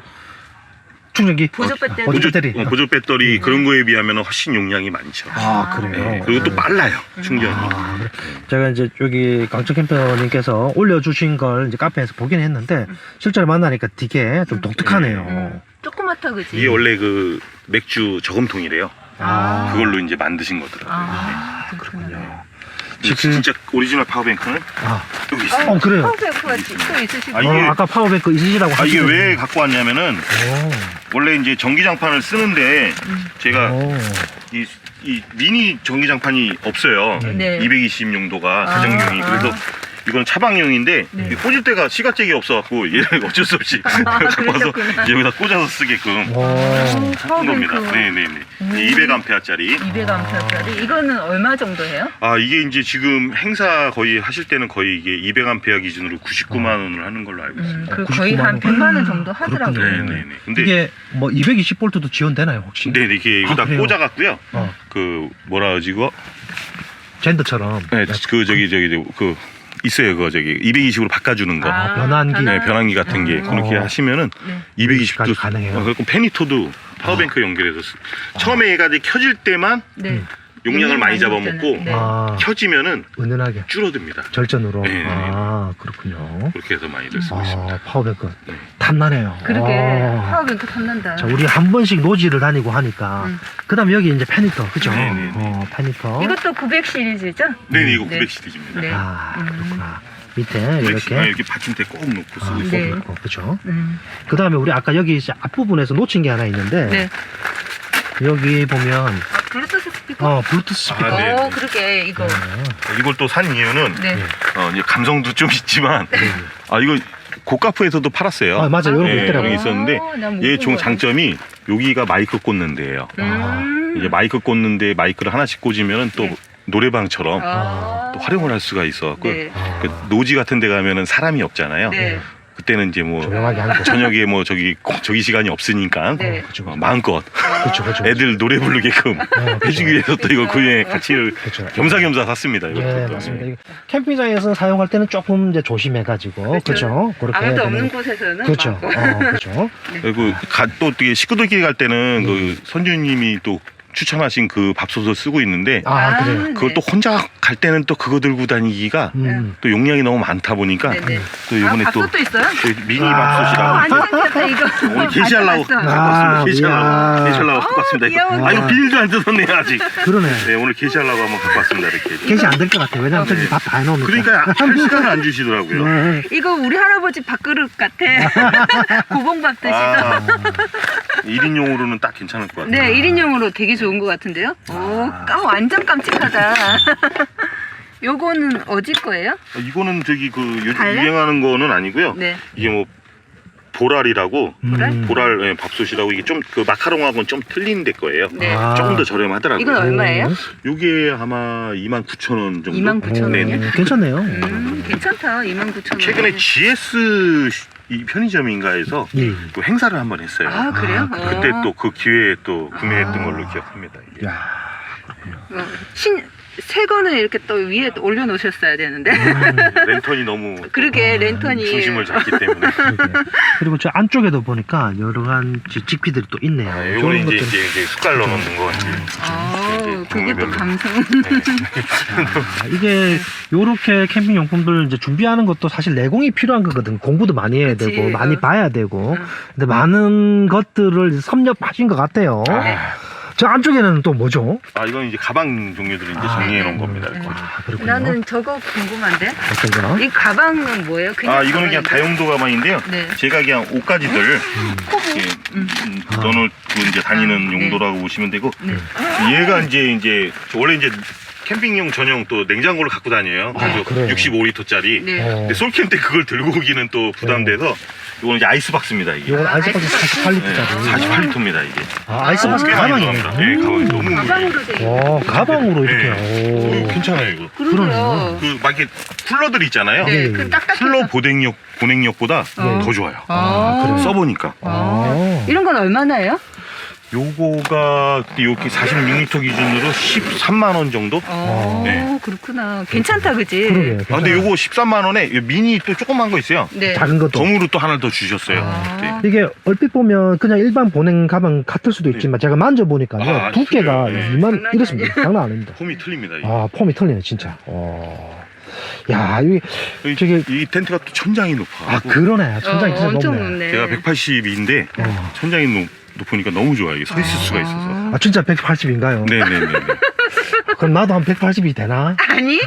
[SPEAKER 1] 충전기?
[SPEAKER 3] 보조 배터리.
[SPEAKER 1] 보조 배터리.
[SPEAKER 2] 어, 보조 배터리
[SPEAKER 3] 음.
[SPEAKER 2] 그런 거에 비하면 훨씬 용량이 많죠.
[SPEAKER 1] 아, 그래요?
[SPEAKER 2] 예, 그리고 또 빨라요, 충전이.
[SPEAKER 1] 아, 그래. 제가 이제 여기 강철 캠퍼님께서 올려주신 걸 이제 카페에서 보긴 했는데 실제로 만나니까 되게 좀 독특하네요.
[SPEAKER 3] 음. 조그맣다 그지?
[SPEAKER 2] 이게 원래 그 맥주 저금통이래요.
[SPEAKER 1] 아,
[SPEAKER 2] 그걸로 이제 만드신 거더라고요.
[SPEAKER 3] 아,
[SPEAKER 1] 그렇군요. 지금-
[SPEAKER 2] 진짜 오리지널 파워뱅크는
[SPEAKER 1] 아,
[SPEAKER 2] 여기 있어요.
[SPEAKER 1] 어, 그래요.
[SPEAKER 3] 파워뱅크가 또 있으시고.
[SPEAKER 2] 아,
[SPEAKER 1] 어,
[SPEAKER 2] 이게-
[SPEAKER 1] 아까 파워뱅크 있으시다고
[SPEAKER 2] 아, 이게
[SPEAKER 1] 하시더니.
[SPEAKER 2] 왜 갖고 왔냐면은
[SPEAKER 1] 오.
[SPEAKER 2] 원래 이제 전기장판을 쓰는데 제가
[SPEAKER 1] 오.
[SPEAKER 2] 이, 이 미니 전기장판이 없어요.
[SPEAKER 3] 네.
[SPEAKER 2] 이백이십 용도가
[SPEAKER 3] 아,
[SPEAKER 2] 가정용이.
[SPEAKER 3] 아.
[SPEAKER 2] 그래서 이건 차방용인데
[SPEAKER 3] 네.
[SPEAKER 2] 이 꽂을 때가 시가잭이 없어갖고 얘를 어쩔 수 없이
[SPEAKER 3] 아,
[SPEAKER 2] 갖고 와서
[SPEAKER 3] 그러셨구나.
[SPEAKER 2] 여기다 꽂아서 쓰게끔
[SPEAKER 1] 오.
[SPEAKER 3] 음,
[SPEAKER 2] 한 겁니다.
[SPEAKER 3] 파워뱅크.
[SPEAKER 2] 네네네.
[SPEAKER 3] 음.
[SPEAKER 2] 이백 암페어짜리.
[SPEAKER 3] 이백 암페어짜리. 이거는 얼마 정도 해요?
[SPEAKER 2] 아 이게 이제 지금 행사 거의 하실 때는 거의 이게 이백 암페어 기준으로 구십구만 원을 하는 걸로 알고
[SPEAKER 3] 음,
[SPEAKER 2] 있습니다.
[SPEAKER 3] 그
[SPEAKER 1] 구십구만
[SPEAKER 3] 거의 한
[SPEAKER 1] 원.
[SPEAKER 3] 백만 원 정도 하더라고요.
[SPEAKER 1] 그렇군요.
[SPEAKER 2] 네네네. 근데
[SPEAKER 1] 이게 뭐 이백이십 볼트도 지원되나요 혹시?
[SPEAKER 2] 네, 이게 여기다
[SPEAKER 1] 아, 그래요?
[SPEAKER 2] 꽂아갖고요.
[SPEAKER 1] 어.
[SPEAKER 2] 그 뭐라 하지 이거?
[SPEAKER 1] 젠더처럼.
[SPEAKER 2] 네, 그 저기 저기 그 있어요. 그 저기 이백이십으로 바꿔주는 거.
[SPEAKER 1] 아, 변환기.
[SPEAKER 2] 네, 변환기 같은 게
[SPEAKER 3] 음.
[SPEAKER 2] 그렇게
[SPEAKER 1] 어.
[SPEAKER 2] 하시면은
[SPEAKER 3] 네.
[SPEAKER 2] 이백이십도
[SPEAKER 1] 까지 가능해요?
[SPEAKER 2] 어, 그리고 페니토도 파워뱅크 연결해서 쓰- 처음에 얘가 이제 켜질 때만
[SPEAKER 3] 네.
[SPEAKER 1] 음.
[SPEAKER 2] 용량을 많이
[SPEAKER 3] 많이
[SPEAKER 2] 잡아먹고
[SPEAKER 3] 네.
[SPEAKER 1] 아,
[SPEAKER 2] 켜지면은
[SPEAKER 1] 은은하게
[SPEAKER 2] 줄어듭니다.
[SPEAKER 1] 절전으로.
[SPEAKER 2] 네, 네, 네.
[SPEAKER 1] 아, 그렇군요.
[SPEAKER 2] 그렇게 해서 많이들 쓰고 있습니다.
[SPEAKER 1] 아, 파워뱅크
[SPEAKER 2] 네.
[SPEAKER 1] 탐나네요.
[SPEAKER 3] 그러게
[SPEAKER 1] 아.
[SPEAKER 3] 파워뱅크 탐난다.
[SPEAKER 1] 자, 우리 한 번씩 노지를 다니고 하니까.
[SPEAKER 3] 음.
[SPEAKER 1] 그다음에 여기 이제 페니터, 그죠?
[SPEAKER 2] 네, 네, 네.
[SPEAKER 1] 어, 페니터.
[SPEAKER 3] 이것도 구백 시리즈죠?
[SPEAKER 2] 네, 네, 이거
[SPEAKER 3] 네.
[SPEAKER 2] 구백 시리즈입니다.
[SPEAKER 3] 네.
[SPEAKER 1] 아,
[SPEAKER 3] 음.
[SPEAKER 1] 그렇구나. 밑에
[SPEAKER 2] 구백 시- 아,
[SPEAKER 1] 이렇게.
[SPEAKER 2] 이렇게 받침대 꼭 놓고 쓰고
[SPEAKER 1] 아,
[SPEAKER 2] 있어요.
[SPEAKER 3] 네.
[SPEAKER 1] 어, 그죠?
[SPEAKER 3] 음.
[SPEAKER 1] 그 다음에 우리 아까 여기 이제 앞부분에서 놓친 게 하나 있는데.
[SPEAKER 3] 네.
[SPEAKER 1] 여기 보면,
[SPEAKER 3] 아, 블루투스 스피커?
[SPEAKER 1] 어, 블루투스 스피커.
[SPEAKER 2] 아, 네,
[SPEAKER 3] 어,
[SPEAKER 2] 네.
[SPEAKER 3] 그러게 이거.
[SPEAKER 1] 네.
[SPEAKER 2] 이걸 또 산 이유는
[SPEAKER 3] 네.
[SPEAKER 2] 어, 이제 감성도 좀 있지만 아 이거 고가프에서도 팔았어요.
[SPEAKER 1] 아, 맞아. 이런 거
[SPEAKER 2] 네,
[SPEAKER 1] 있더라고요.
[SPEAKER 2] 여기 있었는데
[SPEAKER 3] 어, 난못
[SPEAKER 2] 얘
[SPEAKER 3] 본
[SPEAKER 2] 종
[SPEAKER 3] 거야.
[SPEAKER 2] 장점이 여기가 마이크 꽂는 데예요.
[SPEAKER 3] 음.
[SPEAKER 2] 이제 마이크 꽂는데 마이크를 하나씩 꽂으면 또
[SPEAKER 3] 네.
[SPEAKER 2] 노래방처럼
[SPEAKER 3] 아.
[SPEAKER 2] 또 활용을 할 수가 있어갖고
[SPEAKER 3] 네.
[SPEAKER 1] 아,
[SPEAKER 2] 그 노지 같은 데 가면은 사람이 없잖아요.
[SPEAKER 3] 네.
[SPEAKER 2] 그때는 이제 뭐
[SPEAKER 1] 조용하게 하는 거.
[SPEAKER 2] 저녁에 뭐 저기 꼭 저기 시간이 없으니까
[SPEAKER 3] 네.
[SPEAKER 1] 그죠,
[SPEAKER 2] 어,
[SPEAKER 1] 그죠.
[SPEAKER 2] 마음껏
[SPEAKER 1] 그렇죠, 그렇죠.
[SPEAKER 2] 애들 노래 부르게끔
[SPEAKER 1] 어, 그죠.
[SPEAKER 2] 해주기 위해서 또 이거 그에 같이
[SPEAKER 1] 그렇죠.
[SPEAKER 2] 겸사겸사 샀습니다. 이것도
[SPEAKER 1] 예,
[SPEAKER 2] 또.
[SPEAKER 1] 맞습니다. 이거 캠핑장에서 사용할 때는 조금 이제 조심해가지고,
[SPEAKER 3] 그렇죠.
[SPEAKER 1] 그렇죠? 그렇게 해야
[SPEAKER 3] 아무도
[SPEAKER 1] 되는-
[SPEAKER 3] 없는 곳에서는
[SPEAKER 1] 그렇죠.
[SPEAKER 3] 막-
[SPEAKER 1] 어, 그렇죠.
[SPEAKER 2] 그리고 가, 또 어떻게 식구들끼리 갈 때는 그 선주님이 또 추천하신 그 밥솥을 쓰고 있는데
[SPEAKER 1] 아,
[SPEAKER 3] 아,
[SPEAKER 1] 그래요.
[SPEAKER 3] 네.
[SPEAKER 2] 그걸 또 혼자 갈 때는 또 그거 들고 다니기가
[SPEAKER 1] 음.
[SPEAKER 2] 또 용량이 너무 많다 보니까
[SPEAKER 3] 네네.
[SPEAKER 2] 또
[SPEAKER 3] 아,
[SPEAKER 2] 이번에 또
[SPEAKER 3] 밥솥도 있어요?
[SPEAKER 2] 저희 미니
[SPEAKER 1] 아,
[SPEAKER 2] 밥솥이라고
[SPEAKER 3] 완전 괜찮다 이거.
[SPEAKER 2] 오늘 게시하려고
[SPEAKER 3] 봤어,
[SPEAKER 2] 갖고
[SPEAKER 3] 봤어.
[SPEAKER 2] 왔습니다.
[SPEAKER 1] 아,
[SPEAKER 2] 게시하려고
[SPEAKER 1] 이야.
[SPEAKER 2] 게시하려고 갖고 왔습니다. 이거.
[SPEAKER 3] 귀여워.
[SPEAKER 2] 아 이거 비닐도 안 뜯었네 아직.
[SPEAKER 1] 그러네.
[SPEAKER 2] 네 오늘 게시하려고 한번 갖고 왔습니다 이렇게.
[SPEAKER 1] 게시 안 될 것 같아요. 왜냐면 저기 밥 다 해놓으니까.
[SPEAKER 2] 그러니까 할 시간을 안 주시더라고요.
[SPEAKER 1] 네.
[SPEAKER 3] 이거 우리 할아버지 밥그릇 같아. 고봉밥 드시던.
[SPEAKER 2] 아, 일 인용으로는 딱 괜찮을 것 같아요.
[SPEAKER 3] 네, 일 인용으로 되게 좋은 것 같은데요? 오, 까 완전 깜찍하다. 요거는 어디 거예요?
[SPEAKER 2] 아, 이거는 저기 그 요즘
[SPEAKER 3] 달래?
[SPEAKER 2] 유행하는 거는 아니고요.
[SPEAKER 3] 네.
[SPEAKER 2] 이게 뭐 보랄이라고
[SPEAKER 1] 음.
[SPEAKER 2] 보랄 예, 밥솥이라고 이게 좀 그 마카롱하고는 좀 틀린 데 거예요.
[SPEAKER 3] 네.
[SPEAKER 1] 아.
[SPEAKER 2] 조금 더 저렴하더라고요.
[SPEAKER 3] 이건 얼마예요?
[SPEAKER 2] 요게 아마 이만 구천 원 정도.
[SPEAKER 3] 이만 구천 원이요?
[SPEAKER 2] 네, 네.
[SPEAKER 1] 음, 괜찮네요.
[SPEAKER 3] 음, 괜찮다. 이만 구천 원.
[SPEAKER 2] 최근에 지에스 이 편의점인가에서
[SPEAKER 1] 예.
[SPEAKER 2] 또 행사를 한번 했어요.
[SPEAKER 3] 아, 그래요?
[SPEAKER 1] 아,
[SPEAKER 2] 그때
[SPEAKER 3] 어.
[SPEAKER 2] 또 그 기회에 또 구매했던
[SPEAKER 3] 아.
[SPEAKER 2] 걸로 기억합니다. 이게.
[SPEAKER 1] 야,
[SPEAKER 3] 어, 신, 새 거는 이렇게 또 위에 올려놓으셨어야 되는데.
[SPEAKER 1] 음,
[SPEAKER 2] 랜턴이 너무
[SPEAKER 3] 그러게,
[SPEAKER 1] 아,
[SPEAKER 3] 랜턴이.
[SPEAKER 2] 중심을 잡기 때문에.
[SPEAKER 1] 그러게. 그리고 저 안쪽에도 보니까 여러 가지 직피들이 또 있네요.
[SPEAKER 2] 아,
[SPEAKER 1] 좋은
[SPEAKER 2] 요거는 이제,
[SPEAKER 1] 것들.
[SPEAKER 2] 이제, 이제 숟갈 넣어놓는 거. 이제.
[SPEAKER 3] 아,
[SPEAKER 2] 이제
[SPEAKER 3] 그게 또
[SPEAKER 2] 종류별로.
[SPEAKER 3] 감성.
[SPEAKER 1] 아, 이게 요렇게 캠핑 용품들 이제 준비하는 것도 사실 내공이 필요한 거거든. 공부도 많이 해야
[SPEAKER 3] 그치,
[SPEAKER 1] 되고 많이
[SPEAKER 3] 어.
[SPEAKER 1] 봐야 되고.
[SPEAKER 3] 응.
[SPEAKER 1] 근데 많은 것들을 섭렵하신 것 같아요.
[SPEAKER 3] 네.
[SPEAKER 1] 저 안쪽에는 또 뭐죠?
[SPEAKER 2] 아 이건 이제 가방 종류들을 이제
[SPEAKER 1] 아,
[SPEAKER 2] 정리해 놓은
[SPEAKER 3] 네.
[SPEAKER 2] 겁니다.
[SPEAKER 3] 네.
[SPEAKER 2] 이렇게.
[SPEAKER 1] 아, 그렇군요.
[SPEAKER 3] 나는 저거 궁금한데?
[SPEAKER 1] 어떤 거?
[SPEAKER 3] 이 가방은 뭐예요? 그냥
[SPEAKER 2] 아 이거는 그냥
[SPEAKER 3] 가방인데?
[SPEAKER 2] 다용도 가방인데요.
[SPEAKER 3] 네.
[SPEAKER 2] 제가 그냥 옷가지들
[SPEAKER 3] 코보.
[SPEAKER 2] 이렇게
[SPEAKER 3] 음.
[SPEAKER 2] 음,
[SPEAKER 1] 아.
[SPEAKER 2] 넣어놓고 이제 다니는
[SPEAKER 3] 아, 네.
[SPEAKER 2] 용도라고 보시면 되고
[SPEAKER 3] 네.
[SPEAKER 2] 얘가 이제 이제 원래 이제 캠핑용 전용 또 냉장고를 갖고 다녀요.
[SPEAKER 1] 아,
[SPEAKER 2] 그래서
[SPEAKER 1] 그래요?
[SPEAKER 2] 육십오 리터짜리.
[SPEAKER 3] 네.
[SPEAKER 1] 어,
[SPEAKER 2] 근데 솔캠 때 그걸 들고 오기는 또 부담돼서 이거는 이제 아이스박스입니다. 이게.
[SPEAKER 1] 요건
[SPEAKER 3] 아,
[SPEAKER 1] 아이스박스
[SPEAKER 3] 아이스박스.
[SPEAKER 1] 사십팔 리터짜리.
[SPEAKER 2] 네, 사십팔 리터입니다 이게.
[SPEAKER 1] 아, 아이스박스
[SPEAKER 2] 꽤 많이
[SPEAKER 1] 가방이네.
[SPEAKER 2] 들어갑니다. 네, 가방이 너무 무거워요.
[SPEAKER 3] 가방으로 돼
[SPEAKER 1] 와,
[SPEAKER 3] 있는.
[SPEAKER 1] 가방으로 이렇게.
[SPEAKER 2] 네.
[SPEAKER 1] 오.
[SPEAKER 2] 오, 괜찮아요 이거.
[SPEAKER 3] 그러게요.
[SPEAKER 2] 그 막 이렇게 쿨러들 있잖아요.
[SPEAKER 3] 네,
[SPEAKER 1] 네.
[SPEAKER 3] 그 딱딱해서.
[SPEAKER 2] 쿨러 보냉력 보냉력보다
[SPEAKER 3] 어.
[SPEAKER 2] 더 좋아요.
[SPEAKER 3] 아,
[SPEAKER 1] 그래요?
[SPEAKER 2] 써보니까.
[SPEAKER 3] 아. 이런 건 얼마나요?
[SPEAKER 2] 요거가 이렇게 사십육 리터 기준으로 십삼만 원 정도?
[SPEAKER 3] 어,
[SPEAKER 2] 네.
[SPEAKER 3] 그렇구나. 괜찮다, 그지?
[SPEAKER 1] 그러게.
[SPEAKER 2] 아, 근데 요거 십삼만 원에 이 미니 또 조그만 거 있어요.
[SPEAKER 3] 네.
[SPEAKER 1] 작은 것도.
[SPEAKER 2] 덤으로 또 하나 더 주셨어요.
[SPEAKER 3] 아.
[SPEAKER 2] 네.
[SPEAKER 1] 이게 얼핏 보면 그냥 일반 보냉 가방 같을 수도 있지만 제가 만져보니까요.
[SPEAKER 2] 아,
[SPEAKER 1] 두께가
[SPEAKER 2] 그래요? 네.
[SPEAKER 1] 이만
[SPEAKER 3] 장난이
[SPEAKER 1] 이렇습니다. 장난 아닙니다.
[SPEAKER 2] 폼이 틀립니다. 이게.
[SPEAKER 1] 아, 폼이 틀리네, 진짜. 어. 야, 이,
[SPEAKER 2] 이,
[SPEAKER 1] 저기-
[SPEAKER 2] 이 텐트가 또 천장이 높아.
[SPEAKER 1] 아, 그러네. 천장이
[SPEAKER 3] 어,
[SPEAKER 1] 진짜
[SPEAKER 3] 엄청
[SPEAKER 1] 높네.
[SPEAKER 3] 높네.
[SPEAKER 2] 제가 백팔십인데
[SPEAKER 1] 어.
[SPEAKER 2] 천장이 높, 높으니까 너무 좋아요. 이게 서 있을 수가 있어서.
[SPEAKER 1] 아, 진짜 백팔십인가요?
[SPEAKER 2] 네네네.
[SPEAKER 1] 그럼 나도 한 백팔십이 되나?
[SPEAKER 3] 아니?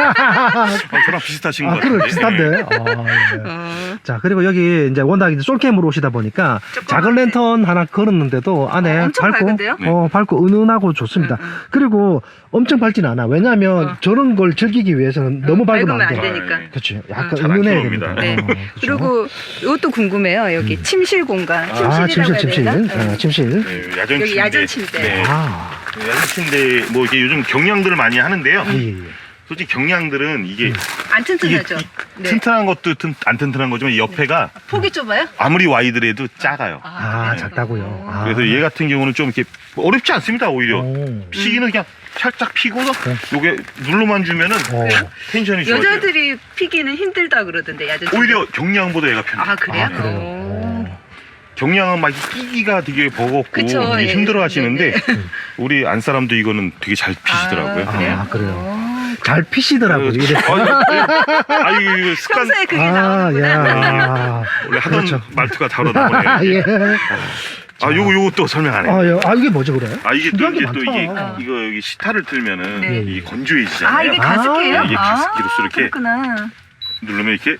[SPEAKER 2] 어, 저랑 비슷하신 것
[SPEAKER 1] 아, 그래
[SPEAKER 2] 같은데.
[SPEAKER 1] 비슷한데. 아, 예.
[SPEAKER 3] 어,
[SPEAKER 1] 자, 그리고 여기 이제 워낙 이제 솔캠으로 오시다 보니까
[SPEAKER 3] 조그맣네.
[SPEAKER 1] 작은 랜턴 하나 걸었는데도 안에
[SPEAKER 3] 어, 엄청
[SPEAKER 1] 밝고,
[SPEAKER 3] 밝은데요?
[SPEAKER 1] 어, 밝고 은은하고 좋습니다.
[SPEAKER 3] 응, 응.
[SPEAKER 1] 그리고 엄청 밝진 않아. 왜냐하면
[SPEAKER 3] 어.
[SPEAKER 1] 저런 걸 즐기기 위해서는 너무 밝으면 안 돼.
[SPEAKER 3] 되니까.
[SPEAKER 2] 네.
[SPEAKER 1] 그렇지.
[SPEAKER 3] 응.
[SPEAKER 1] 약간
[SPEAKER 2] 잘안
[SPEAKER 1] 은은해야
[SPEAKER 2] 켜놓습니다.
[SPEAKER 1] 됩니다.
[SPEAKER 3] 네.
[SPEAKER 1] 어, 그렇죠.
[SPEAKER 3] 그리고 이것도 궁금해요. 여기
[SPEAKER 1] 음.
[SPEAKER 3] 침실 공간.
[SPEAKER 1] 아, 침실,
[SPEAKER 3] 침실이라고
[SPEAKER 1] 침실.
[SPEAKER 3] 해야 되나?
[SPEAKER 1] 어, 침실.
[SPEAKER 2] 네, 야전
[SPEAKER 3] 여기
[SPEAKER 2] 침대.
[SPEAKER 3] 야전 침대.
[SPEAKER 2] 네.
[SPEAKER 1] 아,
[SPEAKER 2] 네, 야전 침대 뭐 이게 요즘 경량들을 많이 하는데요.
[SPEAKER 1] 예, 예, 예.
[SPEAKER 2] 솔직히 경량들은 이게
[SPEAKER 1] 음.
[SPEAKER 3] 안
[SPEAKER 2] 이게
[SPEAKER 3] 튼튼하죠?
[SPEAKER 2] 이-
[SPEAKER 3] 네.
[SPEAKER 2] 튼튼한 것도 튼, 안 튼튼한 거지만 이 옆에가
[SPEAKER 3] 폭이 좁아요?
[SPEAKER 2] 아무리 와이드래도 작아요.
[SPEAKER 1] 아,
[SPEAKER 3] 그래요?
[SPEAKER 1] 작다고요. 아.
[SPEAKER 2] 그래서 얘 같은 경우는 좀 이렇게 어렵지 않습니다. 오히려
[SPEAKER 1] 오.
[SPEAKER 2] 피기는 그냥 살짝 피고서
[SPEAKER 1] 네.
[SPEAKER 2] 요게 눌러만 주면은
[SPEAKER 1] 어.
[SPEAKER 2] 텐션이 좋아져요.
[SPEAKER 3] 여자들이 피기는 힘들다 그러던데 야전 침대.
[SPEAKER 2] 오히려 경량보다 얘가 편해요.
[SPEAKER 3] 아 그래요?
[SPEAKER 1] 아, 그래요.
[SPEAKER 3] 오.
[SPEAKER 1] 어.
[SPEAKER 2] 경량은 막 끼기가 되게 버겁고
[SPEAKER 3] 그쵸,
[SPEAKER 2] 이게
[SPEAKER 3] 예.
[SPEAKER 2] 힘들어 하시는데
[SPEAKER 3] 네,
[SPEAKER 2] 우리 안 사람도 이거는 되게 잘 피시더라고요.
[SPEAKER 3] 아, 그래요?
[SPEAKER 1] 아, 그래요.
[SPEAKER 3] 어.
[SPEAKER 1] 잘 피시더라고요. 이래.
[SPEAKER 2] 아, 이거 이거 습관
[SPEAKER 3] 평소에 그게
[SPEAKER 1] 아,
[SPEAKER 3] 나오는구나.
[SPEAKER 1] 야.
[SPEAKER 2] 원래 하던
[SPEAKER 1] 그렇죠.
[SPEAKER 2] 말투가 다르다 보네요.
[SPEAKER 1] 예.
[SPEAKER 2] 아, 요거 요거 또 설명 안 해.
[SPEAKER 1] 아, 예. 아, 이게 뭐죠, 그래?
[SPEAKER 2] 아, 이게 또
[SPEAKER 1] 신기한 게
[SPEAKER 2] 이게 또 이게
[SPEAKER 1] 많다.
[SPEAKER 2] 이거 여기 시타를 틀면은
[SPEAKER 3] 네.
[SPEAKER 2] 이게 건조해지잖아요.
[SPEAKER 3] 아 이게
[SPEAKER 1] 아,
[SPEAKER 3] 가습기예요?
[SPEAKER 2] 이게 가습기로서
[SPEAKER 3] 아,
[SPEAKER 2] 이렇게
[SPEAKER 3] 그렇구나.
[SPEAKER 2] 누르면 이렇게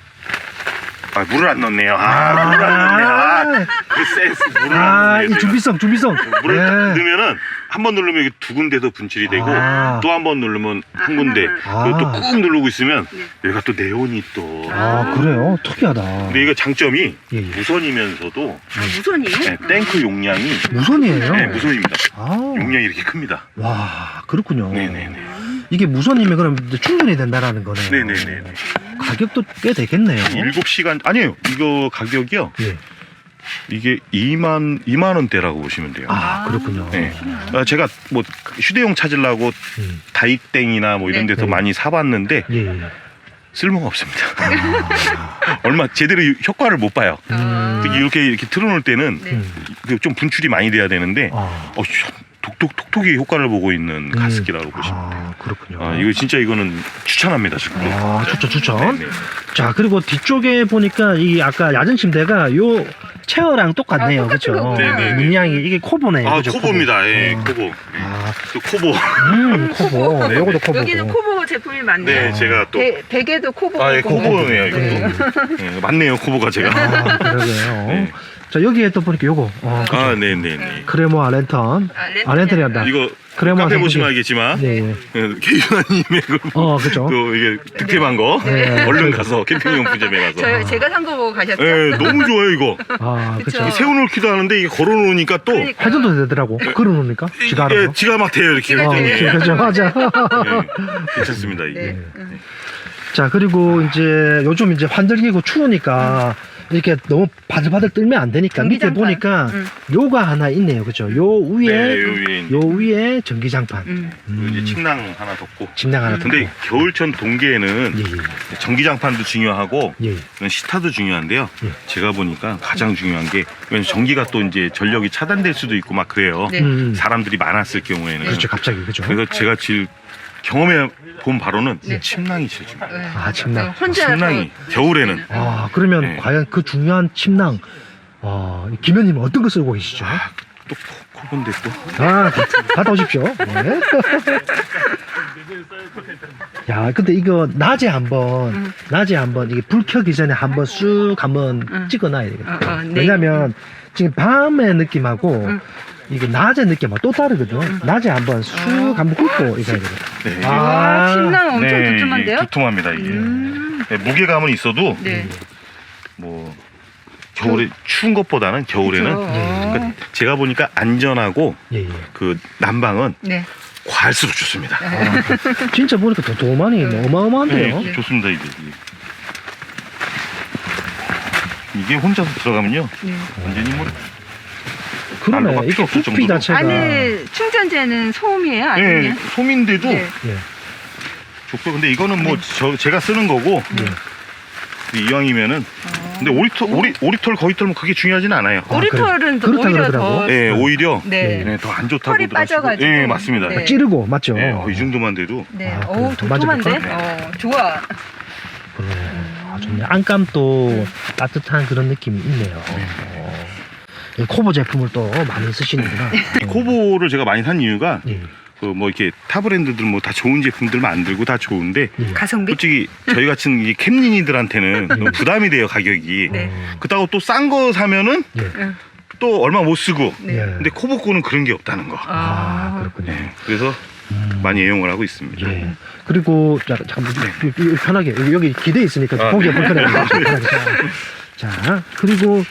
[SPEAKER 2] 아 물을 안 넣네요. 아, 물을 안 넣네요. 아, 그 센스 물을
[SPEAKER 1] 아,
[SPEAKER 2] 안
[SPEAKER 1] 이
[SPEAKER 2] 넣네요.
[SPEAKER 1] 준비성, 준비성.
[SPEAKER 2] 물을 딱
[SPEAKER 1] 네.
[SPEAKER 2] 넣으면은 한 번 누르면 이게 두 군데도 분출이 되고
[SPEAKER 1] 아.
[SPEAKER 2] 또 한 번 누르면 한 군데
[SPEAKER 1] 아.
[SPEAKER 2] 그리고 또 꾹 누르고 있으면
[SPEAKER 3] 네.
[SPEAKER 2] 여기가 또 네온이 또
[SPEAKER 1] 아, 그래요? 특이하다.
[SPEAKER 2] 근데 이거 장점이
[SPEAKER 1] 예, 예.
[SPEAKER 2] 무선이면서도
[SPEAKER 3] 아, 무선이요?
[SPEAKER 2] 네, 탱크 용량이
[SPEAKER 1] 무선이에요?
[SPEAKER 2] 네, 무선입니다.
[SPEAKER 1] 아,
[SPEAKER 2] 용량이 이렇게 큽니다.
[SPEAKER 1] 와, 그렇군요.
[SPEAKER 2] 네네네.
[SPEAKER 1] 이게 무선이면 그럼 이제 충전이 된다라는 거네요.
[SPEAKER 2] 네네네.
[SPEAKER 1] 가격도 꽤 되겠네요.
[SPEAKER 2] 일곱 시간 아니에요. 이거 가격이요.
[SPEAKER 1] 예.
[SPEAKER 2] 이게 이만 이만 원대라고 보시면 돼요.
[SPEAKER 1] 아, 그렇군요.
[SPEAKER 2] 네. 아, 제가 뭐 휴대용 찾으려고
[SPEAKER 1] 음.
[SPEAKER 2] 다이땡이나 뭐 이런
[SPEAKER 3] 네.
[SPEAKER 2] 데서
[SPEAKER 1] 네.
[SPEAKER 2] 많이 사봤는데
[SPEAKER 1] 예, 예.
[SPEAKER 2] 쓸모가 없습니다.
[SPEAKER 1] 아,
[SPEAKER 2] 얼마 제대로 효과를 못 봐요.
[SPEAKER 1] 음.
[SPEAKER 2] 특히 이렇게 이렇게 틀어놓을 때는
[SPEAKER 3] 네.
[SPEAKER 1] 음.
[SPEAKER 2] 그좀 분출이 많이 돼야 되는데
[SPEAKER 1] 아,
[SPEAKER 2] 어, 톡톡 톡톡이 효과를 보고 있는
[SPEAKER 1] 음.
[SPEAKER 2] 가습기라고 보시면 돼요.
[SPEAKER 1] 아, 그렇군요.
[SPEAKER 2] 아, 이거 진짜 이거는 추천합니다 지금.
[SPEAKER 1] 아, 추천, 추천.
[SPEAKER 2] 네네.
[SPEAKER 1] 자, 그리고 뒤쪽에 보니까 이 아까 야전 침대가 요 체어랑 똑같네요.
[SPEAKER 3] 아, 똑같은
[SPEAKER 1] 그렇죠?
[SPEAKER 3] 거구나.
[SPEAKER 2] 네네네.
[SPEAKER 1] 문양이 이게 코보네요.
[SPEAKER 2] 아
[SPEAKER 1] 그죠?
[SPEAKER 2] 코보입니다. 예,
[SPEAKER 1] 어.
[SPEAKER 2] 코보.
[SPEAKER 1] 아,
[SPEAKER 2] 또 코보.
[SPEAKER 1] 음, 코보.
[SPEAKER 2] 네,
[SPEAKER 1] 요것도
[SPEAKER 2] 네.
[SPEAKER 1] 코보고.
[SPEAKER 3] 여기는 코보 제품이 많네요.
[SPEAKER 2] 네, 제가 또
[SPEAKER 3] 배, 베개도 코보.
[SPEAKER 2] 아, 예, 코보네요. 이것도.
[SPEAKER 3] 네.
[SPEAKER 2] 예, 맞네요, 코보가 제가.
[SPEAKER 1] 아, 그러게요.
[SPEAKER 2] 네.
[SPEAKER 1] 자, 여기에 또 보니까 요거. 어, 그죠?
[SPEAKER 2] 아, 네, 네, 네.
[SPEAKER 1] 크레모아 랜턴.
[SPEAKER 3] 아, 랜턴이
[SPEAKER 1] 아, 랜턴이 한다.
[SPEAKER 2] 이거
[SPEAKER 1] 크레모아
[SPEAKER 2] 카페
[SPEAKER 1] 선풍기.
[SPEAKER 2] 보시면 알겠지만
[SPEAKER 1] 네, 예.
[SPEAKER 2] 개윤아님의 그
[SPEAKER 1] 어, 그죠.
[SPEAKER 2] 또 이게 득템한 거
[SPEAKER 1] 네.
[SPEAKER 2] 얼른 가서 캠핑용품점에 가서.
[SPEAKER 3] 저 제가 산 거 보고 가셨죠?
[SPEAKER 2] 예, 너무 좋아요 이거.
[SPEAKER 1] 아,
[SPEAKER 3] 그쵸.
[SPEAKER 1] 그쵸.
[SPEAKER 2] 세워놓기도 하는데 이게 걸어놓으니까 또
[SPEAKER 3] 그러니까.
[SPEAKER 1] 회전도 되더라고. 걸어놓으니까. 지가
[SPEAKER 2] 예,
[SPEAKER 1] 알아서.
[SPEAKER 2] 지가 막 돼요 이렇게.
[SPEAKER 3] 지가
[SPEAKER 1] 어,
[SPEAKER 3] 네.
[SPEAKER 2] 예,
[SPEAKER 1] 그죠, 맞아.
[SPEAKER 2] 예, 괜찮습니다 이게.
[SPEAKER 3] 네. 음.
[SPEAKER 1] 자, 그리고 이제 요즘 이제 환절기고 추우니까 이렇게 너무 바들바들 떨면 안 되니까 밑에
[SPEAKER 3] 전기장판.
[SPEAKER 1] 보니까
[SPEAKER 3] 음.
[SPEAKER 1] 요가 하나 있네요. 그죠? 요 위에,
[SPEAKER 2] 네, 요 위에 이제
[SPEAKER 1] 요 위에 전기장판.
[SPEAKER 3] 음.
[SPEAKER 2] 그 이제 침낭 하나 덮고.
[SPEAKER 1] 침낭 하나
[SPEAKER 2] 근데
[SPEAKER 1] 덮고.
[SPEAKER 2] 겨울철 동계에는
[SPEAKER 1] 예, 예.
[SPEAKER 2] 전기장판도 중요하고
[SPEAKER 1] 예.
[SPEAKER 2] 시타도 중요한데요.
[SPEAKER 1] 예.
[SPEAKER 2] 제가 보니까 가장 중요한 게 왜냐면 전기가 또 이제 전력이 차단될 수도 있고 막 그래요.
[SPEAKER 3] 네.
[SPEAKER 1] 음.
[SPEAKER 2] 사람들이 많았을 경우에는.
[SPEAKER 1] 그렇죠. 갑자기. 그죠?
[SPEAKER 2] 그래서 제가 제일 경험해 본 바로는
[SPEAKER 3] 네.
[SPEAKER 2] 침낭이 제일 중요해요.
[SPEAKER 3] 네.
[SPEAKER 1] 아, 침낭.
[SPEAKER 3] 혼자
[SPEAKER 2] 침낭이 겨울에는
[SPEAKER 1] 아, 그러면
[SPEAKER 2] 네.
[SPEAKER 1] 과연 그 중요한 침낭, 아, 김현님은 어떤 거 쓰고 계시죠?
[SPEAKER 2] 아, 또 코- 코본데 또
[SPEAKER 1] 아, 갔다 오십시오. 네. 야, 근데 이거 낮에 한번,
[SPEAKER 3] 음.
[SPEAKER 1] 낮에 한번, 이게 불 켜기 전에 한번 쑥 한번
[SPEAKER 3] 음.
[SPEAKER 1] 찍어놔야 되겠다.
[SPEAKER 3] 어, 어, 네.
[SPEAKER 1] 왜냐면 지금 밤의 느낌하고
[SPEAKER 3] 음.
[SPEAKER 1] 이게 낮의 느낌하고 또 다르거든. 낮에 한번 쑥
[SPEAKER 3] 어.
[SPEAKER 1] 한번 훑고 이거 해야 되겠다.
[SPEAKER 2] 네.
[SPEAKER 1] 아.
[SPEAKER 3] 와, 침낭 엄청
[SPEAKER 2] 네,
[SPEAKER 3] 두툼한데요?
[SPEAKER 2] 이게 두툼합니다 이게.
[SPEAKER 3] 음.
[SPEAKER 2] 네, 무게감은 있어도
[SPEAKER 3] 네.
[SPEAKER 2] 뭐 겨울에 추운 것보다는 겨울에는
[SPEAKER 3] 그쵸.
[SPEAKER 2] 그러니까 제가 보니까 안전하고
[SPEAKER 1] 예, 예.
[SPEAKER 2] 그 난방은
[SPEAKER 3] 네.
[SPEAKER 2] 과할수록 좋습니다.
[SPEAKER 1] 아, 진짜 보니까 더 도만이 뭐 어마어마한데요.
[SPEAKER 2] 네, 좋습니다 이게. 이게 혼자서 들어가면요
[SPEAKER 3] 네.
[SPEAKER 2] 완전히 뭐
[SPEAKER 1] 그러네.
[SPEAKER 2] 난로가
[SPEAKER 1] 이게
[SPEAKER 2] 필요 없을
[SPEAKER 1] 부피
[SPEAKER 2] 정도로.
[SPEAKER 1] 자체가.
[SPEAKER 3] 안에 충전재는 소음이에요?
[SPEAKER 2] 네,
[SPEAKER 3] 아니면?
[SPEAKER 2] 솜인데도
[SPEAKER 3] 네.
[SPEAKER 1] 예.
[SPEAKER 2] 좋고 근데 이거는 뭐 저 제가 쓰는 거고
[SPEAKER 1] 예.
[SPEAKER 2] 이왕이면은
[SPEAKER 3] 어.
[SPEAKER 2] 근데 오리털 오리 오리털 거위털 뭐 그게 중요하진 않아요.
[SPEAKER 1] 아,
[SPEAKER 3] 오리털은 더
[SPEAKER 1] 그렇다
[SPEAKER 3] 오히려
[SPEAKER 1] 그러더라고.
[SPEAKER 3] 더.
[SPEAKER 2] 네, 오히려
[SPEAKER 3] 네.
[SPEAKER 2] 네, 더 안 좋다고
[SPEAKER 3] 털이 빠져가지고.
[SPEAKER 2] 네, 맞습니다.
[SPEAKER 3] 네.
[SPEAKER 2] 네.
[SPEAKER 1] 찌르고, 맞죠?
[SPEAKER 2] 어, 이 정도만 돼도
[SPEAKER 3] 네.
[SPEAKER 1] 아,
[SPEAKER 3] 오,
[SPEAKER 1] 그래.
[SPEAKER 3] 도톰한데?
[SPEAKER 1] 만져볼까?
[SPEAKER 3] 어, 좋아.
[SPEAKER 1] 그래. 아, 좋네. 안감도 따뜻한 그런 느낌이 있네요. 어. 이 코보 제품을 또 많이 쓰시는구나.
[SPEAKER 2] 이 코보를 제가 많이 산 이유가
[SPEAKER 1] 예.
[SPEAKER 2] 그 뭐 이렇게 타 브랜드들 뭐 다 좋은 제품들 만들고 다 좋은데
[SPEAKER 3] 가성비?
[SPEAKER 2] 솔직히 저희 같은 이 캠린이들한테는 너무 부담이 돼요 가격이.
[SPEAKER 3] 네.
[SPEAKER 2] 그렇다고 또 싼 거 사면은
[SPEAKER 1] 예.
[SPEAKER 3] 응.
[SPEAKER 2] 또 얼마 못 쓰고.
[SPEAKER 3] 네.
[SPEAKER 1] 예.
[SPEAKER 2] 근데 코보코는 그런 게 없다는 거.
[SPEAKER 1] 아,
[SPEAKER 3] 아,
[SPEAKER 1] 그렇군요.
[SPEAKER 2] 네, 그래서
[SPEAKER 1] 음.
[SPEAKER 2] 많이 애용을 하고 있습니다.
[SPEAKER 1] 예. 그리고 자, 잠깐 네. 편하게 여기, 여기 기대 있으니까
[SPEAKER 2] 아,
[SPEAKER 1] 보기가
[SPEAKER 2] 네.
[SPEAKER 1] 불편해요. 편하게. 자, 자, 그리고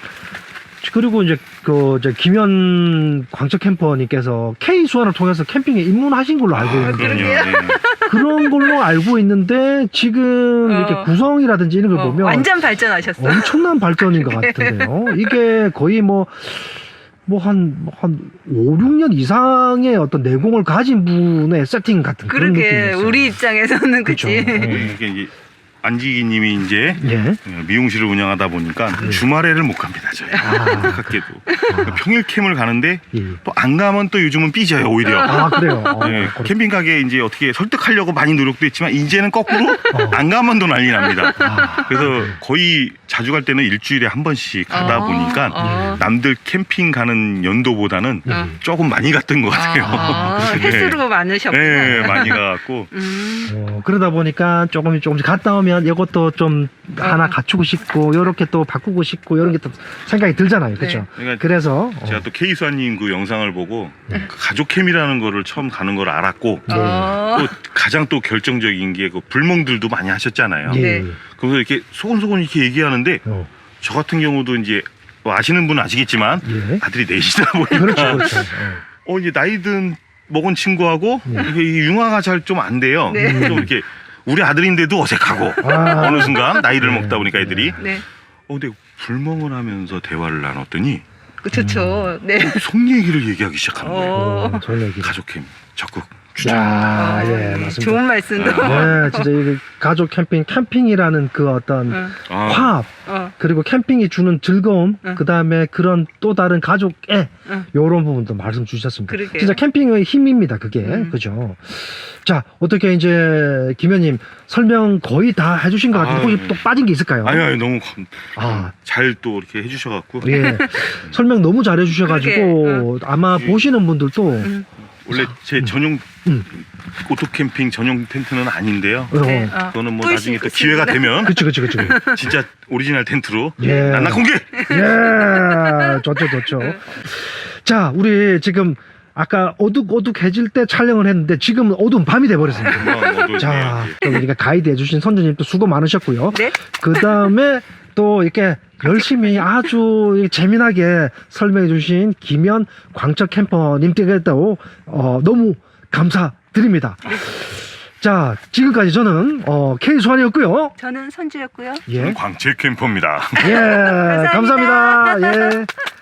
[SPEAKER 1] 그리고 이제 그 이제 김현 광적 캠퍼님께서 K 수원을 통해서 캠핑에 입문하신 걸로 알고
[SPEAKER 2] 아,
[SPEAKER 1] 있는데
[SPEAKER 2] 그럼요.
[SPEAKER 3] 그러게요.
[SPEAKER 2] 네.
[SPEAKER 1] 그런 걸로 알고 있는데 지금
[SPEAKER 3] 어.
[SPEAKER 1] 이렇게 구성이라든지 이런 걸
[SPEAKER 3] 어,
[SPEAKER 1] 보면
[SPEAKER 3] 완전 발전하셨어.
[SPEAKER 1] 엄청난 발전인 것 같은데요. 이게 거의 뭐, 뭐 한, 뭐 한 오, 육 년 이상의 어떤 내공을 가진 분의 세팅 같은 그런
[SPEAKER 3] 그러게
[SPEAKER 1] 느낌이었어요.
[SPEAKER 3] 우리 입장에서는
[SPEAKER 1] 그쵸.
[SPEAKER 3] 그치.
[SPEAKER 1] 어.
[SPEAKER 2] 네, 이게 이제 안지기님이 이제
[SPEAKER 1] 예.
[SPEAKER 2] 미용실을 운영하다 보니까 주말에를 못 갑니다 저희.
[SPEAKER 1] 아,
[SPEAKER 2] 안타깝게도 평일 캠을 가는데
[SPEAKER 1] 예.
[SPEAKER 2] 또 안 가면 또 요즘은 삐져요 오히려.
[SPEAKER 1] 아, 그래요. 어,
[SPEAKER 2] 네,
[SPEAKER 1] 그렇-
[SPEAKER 2] 캠핑 가게 이제 어떻게 설득하려고 많이 노력도 했지만 이제는 거꾸로
[SPEAKER 1] 어.
[SPEAKER 2] 안 가면 또 난리 납니다.
[SPEAKER 1] 아,
[SPEAKER 2] 그래서 거의 자주 갈 때는 일주일에 한 번씩 가다
[SPEAKER 3] 아,
[SPEAKER 2] 보니까
[SPEAKER 3] 아.
[SPEAKER 2] 남들 캠핑 가는 연도보다는
[SPEAKER 1] 예.
[SPEAKER 2] 조금 많이 갔던 것 같아요.
[SPEAKER 3] 아,
[SPEAKER 2] 네.
[SPEAKER 3] 횟수로 많으셨구나.
[SPEAKER 2] 네, 많이 가갖고
[SPEAKER 3] 음.
[SPEAKER 1] 어, 그러다 보니까 조금씩 조금씩 갔다 오면 이것도 좀 하나
[SPEAKER 3] 어.
[SPEAKER 1] 갖추고 싶고 요렇게 또 바꾸고 싶고 이런 게 또 생각이 들잖아요. 그렇죠?
[SPEAKER 2] 그러니까
[SPEAKER 1] 그래서 어,
[SPEAKER 2] 제가 또 케이수아님 그 영상을 보고 그 가족캠이라는 거를 처음 가는 걸 알았고
[SPEAKER 1] 네.
[SPEAKER 3] 어.
[SPEAKER 2] 또 가장 또 결정적인 게 그 불멍들도 많이 하셨잖아요.
[SPEAKER 1] 예.
[SPEAKER 3] 네.
[SPEAKER 2] 그래서 이렇게 소곤소곤 이렇게 얘기하는데
[SPEAKER 1] 어,
[SPEAKER 2] 저 같은 경우도 이제 뭐 아시는 분은 아시겠지만
[SPEAKER 1] 예.
[SPEAKER 2] 아들이 넷이다 보니까
[SPEAKER 1] 그렇죠, 그렇죠. 어.
[SPEAKER 2] 어 이제 나이든 먹은 친구하고
[SPEAKER 1] 네.
[SPEAKER 2] 이게 이 융화가 잘 좀 안 돼요.
[SPEAKER 3] 네.
[SPEAKER 2] 좀 이렇게 우리 아들인데도 어색하고
[SPEAKER 1] 아.
[SPEAKER 2] 어느 순간 나이를
[SPEAKER 1] 네.
[SPEAKER 2] 먹다 보니까 애들이
[SPEAKER 3] 네.
[SPEAKER 2] 어 근데 불멍을 하면서 대화를 나눴더니
[SPEAKER 3] 그 좋죠. 네.
[SPEAKER 2] 속 얘기를 얘기하기 시작하는 거예요.
[SPEAKER 3] 어.
[SPEAKER 1] 어, 좋은 얘기.
[SPEAKER 2] 가족캠 적극 추천.
[SPEAKER 1] 야,
[SPEAKER 3] 어,
[SPEAKER 1] 예, 맞습니다.
[SPEAKER 3] 좋은 말씀도.
[SPEAKER 1] 네, 진짜 이 가족 캠핑, 캠핑이라는 그 어떤
[SPEAKER 3] 응.
[SPEAKER 2] 아,
[SPEAKER 1] 화합,
[SPEAKER 3] 어.
[SPEAKER 1] 그리고 캠핑이 주는 즐거움,
[SPEAKER 3] 응.
[SPEAKER 1] 그 다음에 그런 또 다른 가족의
[SPEAKER 3] 응.
[SPEAKER 1] 요런 부분도 말씀 주셨습니다.
[SPEAKER 3] 그러게요.
[SPEAKER 1] 진짜 캠핑의 힘입니다, 그게.
[SPEAKER 3] 음.
[SPEAKER 1] 그죠? 자, 어떻게 이제, 김현님 설명 거의 다 해주신 것 같은데,
[SPEAKER 2] 아,
[SPEAKER 1] 혹시
[SPEAKER 2] 네.
[SPEAKER 1] 또 빠진 게 있을까요?
[SPEAKER 2] 아니 아니 너무 감-
[SPEAKER 1] 아.
[SPEAKER 2] 잘 또 이렇게 해주셔갖고
[SPEAKER 1] 예. 설명 너무 잘 해주셔가지고,
[SPEAKER 3] 그러게,
[SPEAKER 1] 아마
[SPEAKER 2] 예.
[SPEAKER 1] 보시는 분들도,
[SPEAKER 3] 음.
[SPEAKER 2] 원래 제 전용
[SPEAKER 1] 음.
[SPEAKER 2] 오토 캠핑 전용 텐트는 아닌데요.
[SPEAKER 1] 어,
[SPEAKER 3] 네. 어.
[SPEAKER 2] 그거는 뭐
[SPEAKER 3] 뿔
[SPEAKER 2] 나중에
[SPEAKER 3] 수
[SPEAKER 2] 또 기회가
[SPEAKER 3] 있습니다.
[SPEAKER 2] 되면
[SPEAKER 1] 그치, 그치, 그치.
[SPEAKER 2] 진짜 오리지널 텐트로
[SPEAKER 1] 예.
[SPEAKER 2] 난나 공개.
[SPEAKER 1] 예, 좋죠, 좋죠. 자, 우리 지금 아까 어둑어둑해질 때 촬영을 했는데 지금은 어두운 밤이 돼버렸습니다.
[SPEAKER 2] 어, 뭐,
[SPEAKER 1] 자,
[SPEAKER 2] 예,
[SPEAKER 1] 또 우리가 가이드 해주신 선주님 또 수고 많으셨고요.
[SPEAKER 3] 네.
[SPEAKER 1] 그 다음에 또 이렇게 열심히 아주 재미나게 설명해주신 김현 광적 캠퍼님께도 어, 너무 감사드립니다. 자, 지금까지 저는 어, K수환이었고요.
[SPEAKER 3] 저는 선주였고요.
[SPEAKER 1] 예,
[SPEAKER 2] 예. 광채 캠퍼입니다.
[SPEAKER 1] 예, 감사합니다. 예.